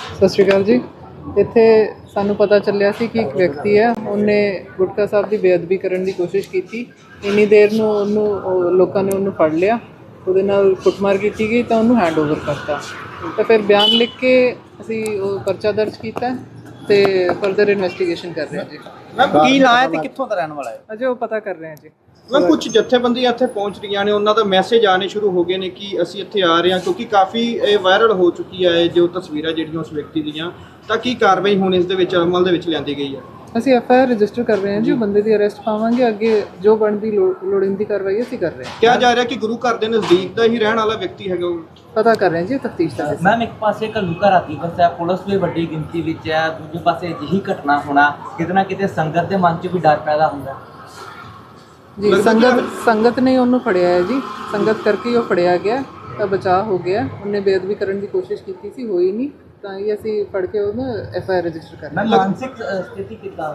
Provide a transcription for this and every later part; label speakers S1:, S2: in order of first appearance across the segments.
S1: ਸਤਿ ਸ਼੍ਰੀ ਅਕਾਲ ਜੀ। ਇੱਥੇ ਸਾਨੂੰ ਪਤਾ ਚੱਲਿਆ ਸੀ ਕਿ ਇੱਕ ਵਿਅਕਤੀ ਹੈ, ਉਹਨੇ ਗੁਟਕਾ ਸਾਹਿਬ ਦੀ ਬੇਅਦਬੀ ਕਰਨ ਦੀ ਕੋਸ਼ਿਸ਼ ਕੀਤੀ। ਇੰਨੀ ਦੇਰ ਨੂੰ ਲੋਕਾਂ ਨੇ ਉਹਨੂੰ ਫੜ ਲਿਆ, ਉਹਦੇ ਨਾਲ ਕੁੱਟਮਾਰ ਕੀਤੀ ਗਈ ਤਾਂ ਉਹਨੂੰ ਹੈਂਡਓਵਰ ਕਰਤਾ। ਤਾਂ ਫਿਰ ਬਿਆਨ ਲਿਖ ਕੇ ਅਸੀਂ ਉਹ ਪਰਚਾ ਦਰਜ ਕੀਤਾ ਤੇ ਫਰਦਰ ਇਨਵੈਸਟੀਗੇਸ਼ਨ ਕਰ ਰਹੇ ਹਾਂ ਜੀ।
S2: ਮੈਮ ਕੀ ਨਾਂ ਹੈ ਤੇ ਕਿੱਥੋਂ ਦਾ ਰਹਿਣ ਵਾਲਾ ਹੈ?
S1: ਅਜੇ ਉਹ ਪਤਾ ਕਰ ਰਹੇ ਹਾਂ ਜੀ।
S2: ਮੈਮ ਕੁਝ ਜਥੇਬੰਦੀਆਂ ਇੱਥੇ ਪਹੁੰਚ ਰਹੀਆਂ ਨੇ, ਉਹਨਾਂ ਦਾ ਮੈਸੇਜ ਆਣੇ ਸ਼ੁਰੂ ਹੋ ਗਏ ਨੇ ਕਿ ਅਸੀਂ ਇੱਥੇ ਆ ਰਹੇ ਹਾਂ, ਕਿਉਂਕਿ ਕਾਫੀ ਇਹ ਵਾਇਰਲ ਹੋ ਚੁੱਕੀ ਹੈ ਜੋ ਤਸਵੀਰਾਂ ਜਿਹੜੀਆਂ ਉਸ ਵਿਅਕਤੀ ਦੀਆਂ। ਤਾਂ ਕੀ ਕਾਰਵਾਈ ਹੁਣ ਇਸ ਦੇ ਵਿੱਚ ਅਮਲ ਦੇ ਵਿੱਚ ਲਿਆਂਦੀ ਗਈ ਹੈ?
S1: ਅਸੀਂ ਐਫਆਈਆਰ ਰਜਿਸਟਰ ਕਰ ਰਹੇ ਹਾਂ ਜੀ। ਉਹ ਬੰਦੇ ਦੀ ਅਰੈਸਟ ਪਾਵਾਂਗੇ, ਅੱਗੇ ਜੋ ਬਣਦੀ ਲੋੜੀਂਦੀ ਕਾਰਵਾਈ ਅਸੀਂ ਕਰ ਰਹੇ ਹਾਂ।
S2: ਕਿਹਾ ਜਾ ਰਿਹਾ ਕਿ ਗੁਰੂ ਘਰ ਦੇ ਨਜ਼ਦੀਕ ਦਾ ਹੀ ਰਹਿਣ ਵਾਲਾ ਵਿਅਕਤੀ ਹੈਗਾ ਉਹ।
S1: ਪਤਾ ਕਰ ਰਹੇ ਹਾਂ ਜੀ, ਤਫਤੀਸ਼ ਦਾ।
S3: ਮੈਮ ਇੱਕ ਪਾਸੇ ਘੱਲੂਘਾਰਾ ਰਾਤੀ ਵਸਿਆ, ਪੁਲਿਸ ਵੀ ਵੱਡੀ ਗਿਣਤੀ ਵਿੱਚ ਹੈ, ਦੂਜੇ ਪਾਸੇ ਅਜਿਹੀ ਘਟਨਾ ਹੋਣਾ ਕਿਤੇ ਨਾ ਕਿਤੇ ਸੰਗਤ ਦੇ ਮਨ 'ਚ ਵੀ ਡਰ ਪੈਦਾ ਹੁੰਦਾ
S1: ਜੀ। ਸੰਗਤ ਨੇ ਉਹਨੂੰ ਫੜਿਆ ਹੈ ਜੀ, ਸੰਗਤ ਕਰਕੇ ਹੀ ਉਹ ਫੜਿਆ ਗਿਆ ਤਾਂ ਬਚਾਅ ਹੋ ਗਿਆ। ਉਹਨੇ ਬੇਅਦਬੀ ਕਰਨ ਦੀ ਕੋਸ਼ਿਸ਼ ਕੀਤੀ ਸੀ, ਹੋਈ ਨਹੀਂ, ਤਾਂ ਹੀ ਅਸੀਂ ਫੜ ਕੇ ਉਹਨੂੰ ਐਫਆਈਆਰ ਰਜਿਸਟਰ ਕਰ ਰਹੇ ਹਾਂ।
S3: ਮਾਨਸਿਕ ਸਥਿਤੀ ਕਿੱਦਾਂ?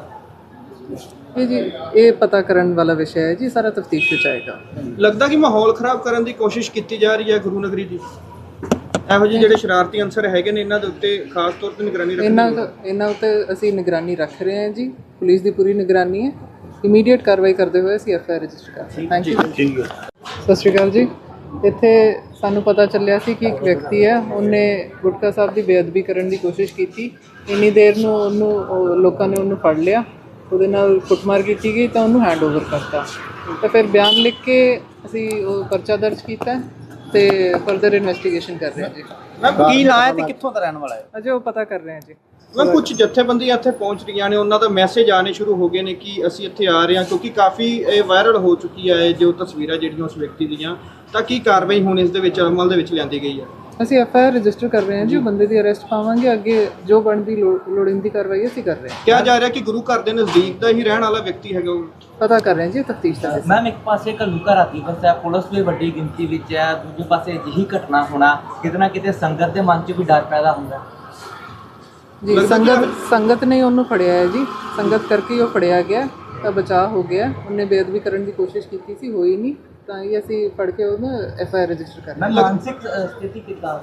S1: ਇਹ ਜੀ ਇਹ ਪਤਾ ਕਰਨ ਵਾਲਾ ਵਿਸ਼ਾ ਹੈ ਜੀ, ਸਾਰਾ ਤਫਤੀਸ਼ ਵਿੱਚ ਆਏਗਾ।
S2: ਲੱਗਦਾ ਕਿ ਮਾਹੌਲ ਖਰਾਬ ਕਰਨ ਦੀ ਕੋਸ਼ਿਸ਼ ਕੀਤੀ ਜਾ ਰਹੀ ਹੈ ਗੁਰੂ ਨਗਰੀ ਦੀ। ਇਹੋ ਜਿਹੇ ਜਿਹੜੇ ਸ਼ਰਾਰਤੀ ਅੰਸਰ ਹੈਗੇ ਨੇ, ਇਹਨਾਂ ਦੇ ਉੱਤੇ ਖਾਸ ਤੌਰ ਤੇ ਨਿਗਰਾਨੀ ਰੱਖਣੀ।
S1: ਇਹਨਾਂ ਉੱਤੇ ਅਸੀਂ ਨਿਗਰਾਨੀ ਰੱਖ ਰਹੇ ਹਾਂ ਜੀ। ਪੁਲਿਸ ਦੀ ਪੂਰੀ ਨਿਗਰਾਨੀ ਹੈ। ਇਮੀਡੀਏਟ ਕਾਰਵਾਈ ਕਰਦੇ ਹੋਏ ਅਸੀਂ ਐਫਆਈਆਰ ਰਜਿਸਟਰ ਕਰ ਰਹੇ ਹਾਂ। Thank you. ਸਤਿ ਸ਼੍ਰੀ ਅਕਾਲ ਜੀ। ਇੱਥੇ ਸਾਨੂੰ ਪਤਾ ਚੱਲਿਆ ਸੀ ਕਿ ਇੱਕ ਵਿਅਕਤੀ ਹੈ, ਉਹਨੇ ਗੁਟਕਾ ਸਾਹਿਬ ਦੀ ਬੇਅਦਬੀ ਕਰਨ ਦੀ ਕੋਸ਼ਿਸ਼ ਕੀਤੀ। ਇੰਨੀ ਦੇਰ ਨੂੰ ਲੋਕਾਂ ਨੇ ਉਹਨੂੰ ਫੜ ਲਿਆ, ਉਹਦੇ ਨਾਲ ਕੁੱਟਮਾਰ ਕੀਤੀ ਗਈ ਤਾਂ ਉਹਨੂੰ ਹੈਂਡਓਵਰ ਕਰਤਾ। ਤਾਂ ਫਿਰ ਬਿਆਨ ਲਿਖ ਕੇ ਅਸੀਂ ਉਹ ਪਰਚਾ ਦਰਜ ਕੀਤਾ ਤੇ ਫਰਦਰ ਇਨਵੈਸਟੀਗੇਸ਼ਨ ਕਰ ਰਹੇ ਹਾਂ ਜੀ।
S2: ਮੈਮ ਕੀ ਨਾਂ ਹੈ ਤੇ ਕਿੱਥੋਂ ਦਾ ਰਹਿਣ ਵਾਲਾ ਹੈ?
S1: ਅਜੇ ਉਹ ਪਤਾ ਕਰ ਰਹੇ ਹਾਂ ਜੀ।
S2: ਮੈਮ ਕੁਝ ਜਥੇਬੰਦੀਆਂ ਇੱਥੇ ਪਹੁੰਚ ਰਹੀਆਂ ਨੇ, ਉਹਨਾਂ ਦਾ ਮੈਸੇਜ ਆਣੇ ਸ਼ੁਰੂ ਹੋ ਗਏ ਨੇ ਕਿ ਅਸੀਂ ਇੱਥੇ ਆ ਰਹੇ ਹਾਂ, ਕਿਉਂਕਿ ਕਾਫੀ ਇਹ ਵਾਇਰਲ ਹੋ ਚੁੱਕੀ ਹੈ ਜੋ ਤਸਵੀਰਾਂ ਜਿਹੜੀਆਂ ਉਸ ਵਿਅਕਤੀ ਦੀਆਂ। ਤਾਂ ਕੀ ਕਾਰਵਾਈ ਹੁਣ ਇਸ ਦੇ ਵਿੱਚ ਅਮਲ ਦੇ ਵਿੱਚ ਲਿਆਂਦੀ ਗਈ ਹੈ?
S1: ਅਸੀਂ ਐਫਆਈਆਰ ਰਜਿਸਟਰ ਕਰ ਰਹੇ ਹਾਂ ਜੀ। ਉਹ ਬੰਦੇ ਦੀ ਅਰੈਸਟ ਪਾਵਾਂਗੇ, ਅੱਗੇ ਜੋ ਬਣਦੀ ਲੋੜੀਂਦੀ ਕਾਰਵਾਈ ਅਸੀਂ ਕਰ ਰਹੇ ਹਾਂ।
S2: ਕਿਹਾ ਜਾ ਰਿਹਾ ਕਿ ਗੁਰੂ ਘਰ ਦੇ ਨਜ਼ਦੀਕ ਦਾ ਹੀ ਰਹਿਣ ਵਾਲਾ ਵਿਅਕਤੀ ਹੈਗਾ ਉਹ।
S1: ਪਤਾ ਕਰ ਰਹੇ ਹਾਂ ਜੀ, ਤਫਤੀਸ਼ ਦਾ।
S3: ਮੈਮ ਇੱਕ ਪਾਸੇ ਘੱਲੂਘਾਰਾ ਰਾਤੀ ਵਸਿਆ, ਪੁਲਿਸ ਵੀ ਵੱਡੀ ਗਿਣਤੀ ਵਿੱਚ ਹੈ, ਦੂਜੇ ਪਾਸੇ ਅਜਿਹੀ ਘਟਨਾ ਹੋਣਾ ਕਿਤੇ ਨਾ ਕਿਤੇ ਸੰਗਤ ਦੇ ਮਨ 'ਚ ਵੀ ਡਰ ਪੈਦਾ ਹੁੰਦਾ
S1: ਜੀ। ਸੰਗਤ ਨੇ ਉਹਨੂੰ ਫੜਿਆ ਹੈ ਜੀ, ਸੰਗਤ ਕਰਕੇ ਹੀ ਉਹ ਫੜਿਆ ਗਿਆ ਤਾਂ ਬਚਾਅ ਹੋ ਗਿਆ। ਉਹਨੇ ਬੇਅਦਬੀ ਕਰਨ ਦੀ ਕੋਸ਼ਿਸ਼ ਕੀਤੀ ਸੀ, ਹੋਈ ਨਹੀਂ, ਤਾਂ ਹੀ ਅਸੀਂ ਫੜ ਕੇ ਉਹਨੂੰ ਐਫਆਈਆਰ ਰਜਿਸਟਰ ਕਰ ਰਹੇ ਹਾਂ।
S3: ਮਾਨਸਿਕ ਸਥਿਤੀ ਕਿੱਦਾਂ?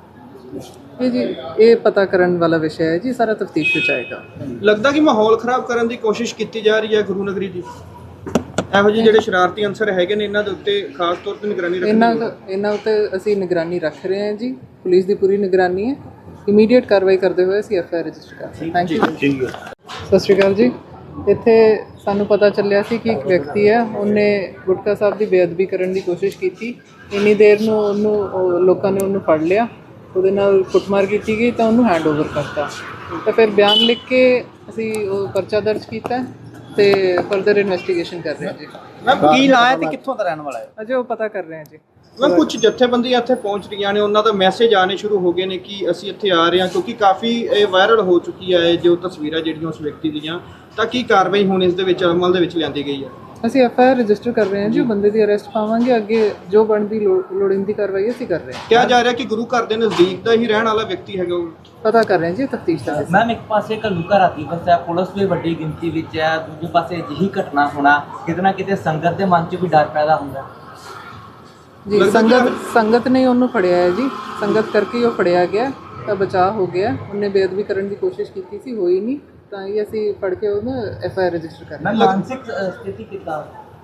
S1: ਇਹ ਜੀ ਇਹ ਪਤਾ ਕਰਨ ਵਾਲਾ ਵਿਸ਼ਾ ਹੈ ਜੀ, ਸਾਰਾ ਤਫਤੀਸ਼ ਵਿੱਚ ਆਏਗਾ।
S2: ਲੱਗਦਾ ਕਿ ਮਾਹੌਲ ਖਰਾਬ ਕਰਨ ਦੀ ਕੋਸ਼ਿਸ਼ ਕੀਤੀ ਜਾ ਰਹੀ ਹੈ ਗੁਰੂ ਨਗਰੀ ਦੀ। ਇਹੋ ਜਿਹੇ ਜਿਹੜੇ ਸ਼ਰਾਰਤੀ ਅੰਸਰ ਹੈਗੇ ਨੇ, ਇਹਨਾਂ ਦੇ ਉੱਤੇ ਖਾਸ ਤੌਰ ਤੇ ਨਿਗਰਾਨੀ ਰੱਖਣੀ।
S1: ਇਹਨਾਂ ਉੱਤੇ ਅਸੀਂ ਨਿਗਰਾਨੀ ਰੱਖ ਰਹੇ ਹਾਂ ਜੀ। ਪੁਲਿਸ ਦੀ ਪੂਰੀ ਨਿਗਰਾਨੀ ਹੈ। ਇਮੀਡੀਏਟ ਕਾਰਵਾਈ ਕਰਦੇ ਹੋਏ ਅਸੀਂ ਐਫਆਈਆਰ ਰਜਿਸਟਰ ਕਰ ਰਹੇ ਹਾਂ। Thank you. ਸਤਿ ਸ਼੍ਰੀ ਅਕਾਲ ਜੀ। ਇੱਥੇ ਸਾਨੂੰ ਪਤਾ ਚੱਲਿਆ ਸੀ ਕਿ ਇੱਕ ਵਿਅਕਤੀ ਹੈ, ਉਹਨੇ ਗੁਟਕਾ ਸਾਹਿਬ ਦੀ ਬੇਅਦਬੀ ਕਰਨ ਦੀ ਕੋਸ਼ਿਸ਼ ਕੀਤੀ। ਇੰਨੀ ਦੇਰ ਨੂੰ ਲੋਕਾਂ ਨੇ ਉਹਨੂੰ ਫੜ ਲਿਆ, ਉਹਦੇ ਨਾਲ ਕੁੱਟਮਾਰ ਕੀਤੀ ਗਈ ਤਾਂ ਉਹਨੂੰ ਹੈਂਡਓਵਰ ਕਰਤਾ। ਤਾਂ ਫਿਰ ਬਿਆਨ ਲਿਖ ਕੇ ਅਸੀਂ ਉਹ ਪਰਚਾ ਦਰਜ ਕੀਤਾ ਤੇ ਫਰਦਰ ਇਨਵੈਸਟੀਗੇਸ਼ਨ ਕਰ ਰਹੇ ਹਾਂ ਜੀ।
S2: ਮੈਮ ਕੀ ਨਾਂ ਹੈ ਤੇ ਕਿੱਥੋਂ ਦਾ ਰਹਿਣ ਵਾਲਾ ਹੈ?
S1: ਅਜੇ ਉਹ ਪਤਾ ਕਰ ਰਹੇ ਹਾਂ ਜੀ।
S2: ਮੈਮ ਕੁਝ ਜਥੇਬੰਦੀਆਂ ਇੱਥੇ ਪਹੁੰਚ ਰਹੀਆਂ ਨੇ, ਉਹਨਾਂ ਦਾ ਮੈਸੇਜ ਆਣੇ ਸ਼ੁਰੂ ਹੋ ਗਏ ਨੇ ਕਿ ਅਸੀਂ ਇੱਥੇ ਆ ਰਹੇ ਹਾਂ, ਕਿਉਂਕਿ ਕਾਫੀ ਇਹ ਵਾਇਰਲ ਹੋ ਚੁੱਕੀ ਹੈ ਜੋ ਤਸਵੀਰਾਂ ਜਿਹੜੀਆਂ ਉਸ ਵਿਅਕਤੀ ਦੀਆਂ। ਤਾਂ ਕੀ ਕਾਰਵਾਈ ਹੁਣ ਇਸ ਦੇ ਵਿੱਚ ਅਮਲ ਦੇ ਵਿੱਚ ਲਿਆਂਦੀ ਗਈ ਹੈ?
S1: ਅਸੀਂ ਐਫਆਈਆਰ ਰਜਿਸਟਰ ਕਰ ਰਹੇ ਹਾਂ ਜੀ। ਉਹ ਬੰਦੇ ਦੀ ਅਰੈਸਟ ਪਾਵਾਂਗੇ, ਅੱਗੇ ਜੋ ਬਣਦੀ ਲੋੜੀਂਦੀ ਕਾਰਵਾਈ ਅਸੀਂ ਕਰ ਰਹੇ ਹਾਂ।
S2: ਕਿਹਾ ਜਾ ਰਿਹਾ ਕਿ ਗੁਰੂ ਘਰ ਦੇ ਨਜ਼ਦੀਕ ਦਾ ਹੀ ਰਹਿਣ ਵਾਲਾ ਵਿਅਕਤੀ ਹੈਗਾ ਉਹ।
S1: ਪਤਾ ਕਰ ਰਹੇ ਹਾਂ ਜੀ, ਤਫਤੀਸ਼ ਦਾ।
S3: ਮੈਮ ਇੱਕ ਪਾਸੇ ਘੱਲੂਘਾਰਾ ਰਾਤੀ ਵਸਿਆ, ਪੁਲਿਸ ਵੀ ਵੱਡੀ ਗਿਣਤੀ ਵਿੱਚ ਹੈ, ਦੂਜੇ ਪਾਸੇ ਅਜਿਹੀ ਘਟਨਾ ਹੋਣਾ ਕਿਤੇ ਨਾ ਕਿਤੇ ਸੰਗਤ ਦੇ ਮਨ 'ਚ ਵੀ ਡਰ ਪੈਦਾ ਹੁੰਦਾ
S1: ਜੀ। ਸੰਗਤ ਨੇ ਉਹਨੂੰ ਫੜਿਆ ਹੈ ਜੀ, ਸੰਗਤ ਕਰਕੇ ਹੀ ਉਹ ਫੜਿਆ ਗਿਆ ਤਾਂ ਬਚਾਅ ਹੋ ਗਿਆ। ਉਹਨੇ ਬੇਅਦਬੀ ਕਰਨ ਦੀ ਕੋਸ਼ਿਸ਼ ਕੀਤੀ ਸੀ, ਹੋਈ ਨਹੀਂ, ਤਾਂ ਹੀ ਅਸੀਂ ਫੜ ਕੇ ਉਹਨੂੰ ਐਫਆਈਆਰ ਰਜਿਸਟਰ ਕਰ ਰਹੇ ਹਾਂ।
S3: ਮਾਨਸਿਕ ਸਥਿਤੀ ਕਿੱਦਾਂ?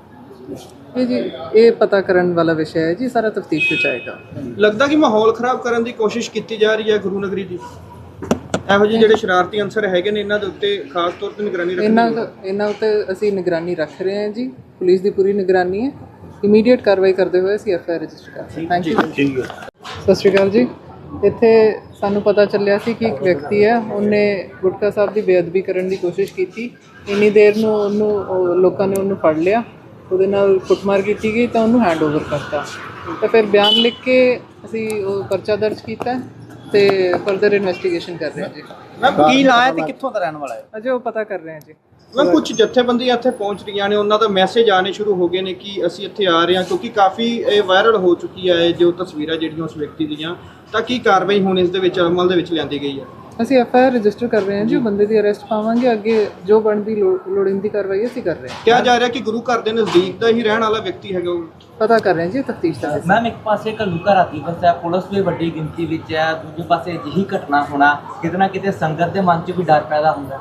S1: ਇਹ ਜੀ ਇਹ ਪਤਾ ਕਰਨ ਵਾਲਾ ਵਿਸ਼ਾ ਹੈ ਜੀ, ਸਾਰਾ ਤਫਤੀਸ਼ ਵਿੱਚ ਆਏਗਾ।
S2: ਲੱਗਦਾ ਕਿ ਮਾਹੌਲ ਖਰਾਬ ਕਰਨ ਦੀ ਕੋਸ਼ਿਸ਼ ਕੀਤੀ ਜਾ ਰਹੀ ਹੈ ਗੁਰੂ ਨਗਰੀ ਦੀ। ਇਹੋ ਜਿਹੇ ਜਿਹੜੇ ਸ਼ਰਾਰਤੀ ਅੰਸਰ ਹੈਗੇ ਨੇ, ਇਹਨਾਂ ਦੇ ਉੱਤੇ ਖਾਸ ਤੌਰ ਤੇ ਨਿਗਰਾਨੀ ਰੱਖਣੀ।
S1: ਇਹਨਾਂ ਉੱਤੇ ਅਸੀਂ ਨਿਗਰਾਨੀ ਰੱਖ ਰਹੇ ਹਾਂ ਜੀ। ਪੁਲਿਸ ਦੀ ਪੂਰੀ ਨਿਗਰਾਨੀ ਹੈ। ਇਮੀਡੀਏਟ ਕਾਰਵਾਈ ਕਰਦੇ ਹੋਏ ਅਸੀਂ ਐਫਆਈਆਰ ਰਜਿਸਟਰ ਕਰ ਰਹੇ ਹਾਂ। Thank you. ਸਤਿ ਸ਼੍ਰੀ ਅਕਾਲ ਜੀ। ਇੱਥੇ ਸਾਨੂੰ ਪਤਾ ਚੱਲਿਆ ਸੀ ਕਿ ਇੱਕ ਵਿਅਕਤੀ ਹੈ, ਉਹਨੇ ਗੁਟਕਾ ਸਾਹਿਬ ਦੀ ਬੇਅਦਬੀ ਕਰਨ ਦੀ ਕੋਸ਼ਿਸ਼ ਕੀਤੀ। ਇੰਨੀ ਦੇਰ ਨੂੰ ਲੋਕਾਂ ਨੇ ਉਹਨੂੰ ਫੜ ਲਿਆ, ਉਹਦੇ ਨਾਲ ਕੁੱਟਮਾਰ ਕੀਤੀ ਗਈ ਤਾਂ ਉਹਨੂੰ ਹੈਂਡਓਵਰ ਕਰਤਾ। ਤਾਂ ਫਿਰ ਬਿਆਨ ਲਿਖ ਕੇ ਅਸੀਂ ਉਹ ਪਰਚਾ ਦਰਜ ਕੀਤਾ ਤੇ ਫਰਦਰ ਇਨਵੈਸਟੀਗੇਸ਼ਨ ਕਰ ਰਹੇ ਹਾਂ ਜੀ।
S2: ਮੈਮ ਕੀ ਨਾਂ ਹੈ ਤੇ ਕਿੱਥੋਂ ਦਾ ਰਹਿਣ ਵਾਲਾ ਹੈ?
S1: ਅਜੇ ਉਹ ਪਤਾ ਕਰ ਰਹੇ ਹਾਂ ਜੀ।
S2: ਮੈਮ ਕੁਝ ਜਥੇਬੰਦੀਆਂ ਇੱਥੇ ਪਹੁੰਚ ਰਹੀਆਂ ਨੇ, ਉਹਨਾਂ ਦਾ ਮੈਸੇਜ ਆਣੇ ਸ਼ੁਰੂ ਹੋ ਗਏ ਨੇ ਕਿ ਅਸੀਂ ਇੱਥੇ ਆ ਰਹੇ ਹਾਂ, ਕਿਉਂਕਿ ਕਾਫੀ ਇਹ ਵਾਇਰਲ ਹੋ ਚੁੱਕੀ ਹੈ ਜੋ ਤਸਵੀਰਾਂ ਜਿਹੜੀਆਂ ਉਸ ਵਿਅਕਤੀ ਦੀਆਂ। ਤਾਂ ਕੀ ਕਾਰਵਾਈ ਹੁਣ ਇਸ ਦੇ ਵਿੱਚ ਅਮਲ ਦੇ ਵਿੱਚ ਲਿਆਂਦੀ ਗਈ ਹੈ?
S1: ਅਸੀਂ ਐਫਆਈਆਰ ਰਜਿਸਟਰ ਕਰ ਰਹੇ ਹਾਂ ਜੀ, ਬੰਦੇ ਦੀ ਅਰੈਸਟ ਪਾਵਾਂਗੇ, ਅੱਗੇ ਜੋ ਬਣਦੀ ਲੋੜੀਂਦੀ ਕਾਰਵਾਈ ਅਸੀਂ ਕਰ ਰਹੇ ਹਾਂ।
S2: ਕਿਹਾ ਜਾ ਰਿਹਾ ਕਿ ਗੁਰੂ ਘਰ ਦੇ ਨਜ਼ਦੀਕ ਦਾ ਹੀ ਰਹਿਣ ਵਾਲਾ ਵਿਅਕਤੀ ਹੈਗਾ ਉਹ।
S1: ਪਤਾ ਕਰ ਰਹੇ ਹਾਂ ਜੀ, ਤਫਤੀਸ਼ ਦਾ ਵਿਸ਼ਾ।
S3: ਮੈਮ ਇੱਕ ਪਾਸੇ ਘੱਲੂਘਾਰਾ ਰਾਤੀ ਫਸਿਆ, ਪੁਲਿਸ ਵੀ ਵੱਡੀ ਗਿਣਤੀ ਵਿੱਚ ਹੈ, ਦੂਜੇ ਪਾਸੇ ਅਜਿਹੀ ਘਟਨਾ ਹੋਣਾ ਕਿਤੇ ਨਾ ਕਿਤੇ ਸੰਗਤ ਦੇ ਮਨ 'ਚ ਵੀ ਡਰ ਪੈਦਾ ਹੁੰਦਾ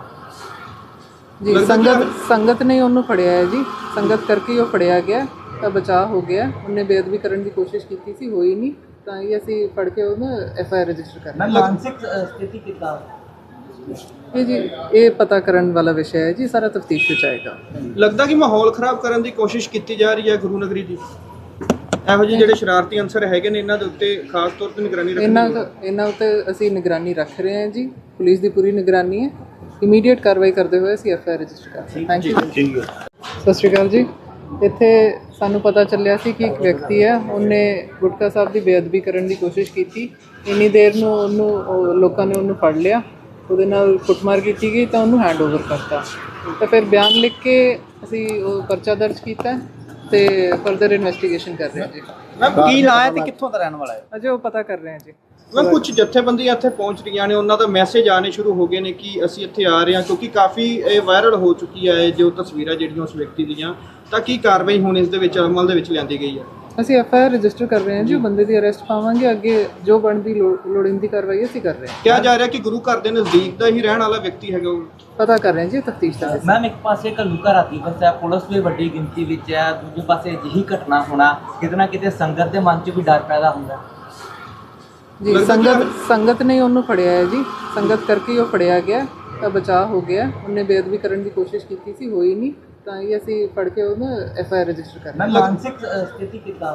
S1: ਜੀ। ਸੰਗਤ ਨੇ ਉਹਨੂੰ ਫੜਿਆ ਹੈ ਜੀ, ਸੰਗਤ ਕਰਕੇ ਹੀ ਉਹ ਫੜਿਆ ਗਿਆ ਤਾਂ ਬਚਾਅ ਹੋ ਗਿਆ। ਉਹਨੇ ਬੇਅਦਬੀ ਕਰਨ ਦੀ ਕੋਸ਼ਿਸ਼ ਕੀਤੀ ਸੀ, ਹੋਈ ਨਹੀਂ, ਤਾਂ ਹੀ ਅਸੀਂ ਫੜ ਕੇ ਉਹਨੂੰ ਐਫਆਈਆਰ ਰਜਿਸਟਰ ਕਰ
S3: ਮੈਂ
S1: ਰਹੇ ਹਾਂ।
S3: ਮਾਨਸਿਕ ਸਥਿਤੀ ਕਿੱਦਾਂ
S1: ਇਹ ਜੀ ਇਹ ਪਤਾ ਕਰਨ ਵਾਲਾ ਵਿਸ਼ਾ ਹੈ ਜੀ, ਸਾਰਾ ਤਫਤੀਸ਼ ਵਿੱਚ ਆਏਗਾ।
S2: ਲੱਗਦਾ ਕਿ ਮਾਹੌਲ ਖਰਾਬ ਕਰਨ ਦੀ ਕੋਸ਼ਿਸ਼ ਕੀਤੀ ਜਾ ਰਹੀ ਹੈ ਗੁਰੂ ਨਗਰੀ ਦੀ। ਇਹੋ ਜਿਹੇ ਜਿਹੜੇ ਸ਼ਰਾਰਤੀ ਅੰਸਰ ਹੈਗੇ ਨੇ ਇਹਨਾਂ ਦੇ ਉੱਤੇ ਖਾਸ ਤੌਰ ਤੇ ਨਿਗਰਾਨੀ ਰੱਖਣੀ
S1: ਇਹਨਾਂ ਉੱਤੇ ਅਸੀਂ ਨਿਗਰਾਨੀ ਰੱਖ ਰਹੇ ਹਾਂ ਜੀ, ਪੁਲਿਸ ਦੀ ਪੂਰੀ ਨਿਗਰਾਨੀ ਹੈ। ਇਮੀਡੀਏਟ ਕਾਰਵਾਈ ਕਰਦੇ ਹੋਏ ਅਸੀਂ ਐਫਆਈਆਰ ਰਜਿਸਟਰ ਕਰ ਰਹੇ ਹਾਂ। Thank you. ਸਤਿ ਸ਼੍ਰੀ ਅਕਾਲ ਜੀ। ਇੱਥੇ ਸਾਨੂੰ ਪਤਾ ਚੱਲਿਆ ਸੀ ਕਿ ਇੱਕ ਵਿਅਕਤੀ ਹੈ, ਉਹਨੇ ਗੁਟਕਾ ਸਾਹਿਬ ਦੀ ਬੇਅਦਬੀ ਕਰਨ ਦੀ ਕੋਸ਼ਿਸ਼ ਕੀਤੀ। ਇੰਨੀ ਦੇਰ ਨੂੰ ਲੋਕਾਂ ਨੇ ਉਹਨੂੰ ਫੜ ਲਿਆ, ਉਹਦੇ ਨਾਲ ਕੁੱਟਮਾਰ ਕੀਤੀ ਗਈ ਤਾਂ ਉਹਨੂੰ ਹੈਂਡਓਵਰ ਕਰਤਾ। ਤਾਂ ਫਿਰ ਬਿਆਨ ਲਿਖ ਕੇ ਅਸੀਂ ਉਹ ਪਰਚਾ ਦਰਜ ਕੀਤਾ ਤੇ ਫਰਦਰ ਇਨਵੈਸਟੀਗੇਸ਼ਨ ਕਰ ਰਹੇ ਹਾਂ ਜੀ।
S2: ਮੈਂ ਕੀ ਨਾਂ ਹੈ ਤੇ ਕਿੱਥੋਂ ਦਾ ਰਹਿਣ ਵਾਲਾ ਹੈ?
S1: ਅਜੇ ਉਹ ਪਤਾ ਕਰ ਰਹੇ ਹਾਂ ਜੀ।
S2: ਮੈਂ ਕੁਝ ਜਥੇਬੰਦੀਆਂ ਇੱਥੇ ਪਹੁੰਚ ਰਹੀਆਂ ਨੇ, ਉਹਨਾਂ ਦਾ ਮੈਸੇਜ ਆਣੇ ਸ਼ੁਰੂ ਹੋ ਗਏ ਨੇ ਕਿ ਅਸੀਂ ਇੱਥੇ ਆ ਰਹੇ ਹਾਂ, ਕਿਉਂਕਿ ਕਾਫੀ ਇਹ ਵਾਇਰਲ ਹੋ ਚੁੱਕੀ ਹੈ ਜੋ ਤਸਵੀਰਾਂ ਜਿਹੜੀਆਂ ਉਸ ਵਿਅਕਤੀ ਦੀਆਂ। ਤਾਂ ਕੀ ਕਾਰਵਾਈ ਹੁਣ ਇਸ ਦੇ ਵਿੱਚ ਅਮਲ ਦੇ ਵਿੱਚ ਲਿਆਂਦੀ ਗਈ ਹੈ?
S1: ਅਸੀਂ ਐਫਆਈਆਰ ਰਜਿਸਟਰ ਕਰ ਰਹੇ ਹਾਂ ਜੀ, ਬੰਦੇ ਦੀ ਅਰੈਸਟ ਪਾਵਾਂਗੇ, ਅੱਗੇ ਜੋ ਬਣਦੀ ਲੋੜੀਂਦੀ ਕਾਰਵਾਈ ਅਸੀਂ ਕਰ ਰਹੇ ਹਾਂ।
S2: ਕਿਹਾ ਜਾ ਰਿਹਾ ਕਿ ਗੁਰੂ ਘਰ ਦੇ ਨਜ਼ਦੀਕ ਦਾ ਹੀ ਰਹਿਣ ਵਾਲਾ ਵਿਅਕਤੀ ਹੈਗਾ ਉਹ।
S1: ਪਤਾ ਕਰ ਰਹੇ ਹਾਂ ਜੀ, ਤਫਤੀਸ਼ ਦਾ ਵਿਸ਼ਾ।
S3: ਮੈਮ ਇੱਕ ਪਾਸੇ ਘੱਲੂਘਾਰਾ ਰਾਤੀ ਫਸਿਆ, ਪੁਲਿਸ ਵੀ ਵੱਡੀ ਗਿਣਤੀ ਵਿੱਚ ਹੈ, ਦੂਜੇ ਪਾਸੇ ਅਜਿਹੀ ਘਟਨਾ ਹੋਣਾ ਕਿਤੇ ਨਾ ਕਿਤੇ ਸੰਗਤ ਦੇ ਮਨ 'ਚ ਵੀ ਡਰ ਪੈਦਾ ਹੁੰਦਾ
S1: ਜੀ। ਸੰਗਤ ਨੇ ਉਹਨੂੰ ਫੜਿਆ ਹੈ ਜੀ, ਸੰਗਤ ਕਰਕੇ ਹੀ ਉਹ ਫੜਿਆ ਗਿਆ ਤਾਂ ਬਚਾਅ ਹੋ ਗਿਆ। ਉਹਨੇ ਬੇਅਦਬੀ ਕਰਨ ਦੀ ਕੋਸ਼ਿਸ਼ ਕੀਤੀ ਸੀ, ਹੋਈ ਨਹੀਂ, ਤਾਂ ਹੀ ਅਸੀਂ ਫੜ ਕੇ ਉਹਨੂੰ ਐਫਆਈਆਰ ਰਜਿਸਟਰ ਕਰ ਰਹੇ ਹਾਂ।
S3: ਮੈਂ ਮਾਨਸਿਕ ਸਥਿਤੀ ਕਿੱਦਾਂ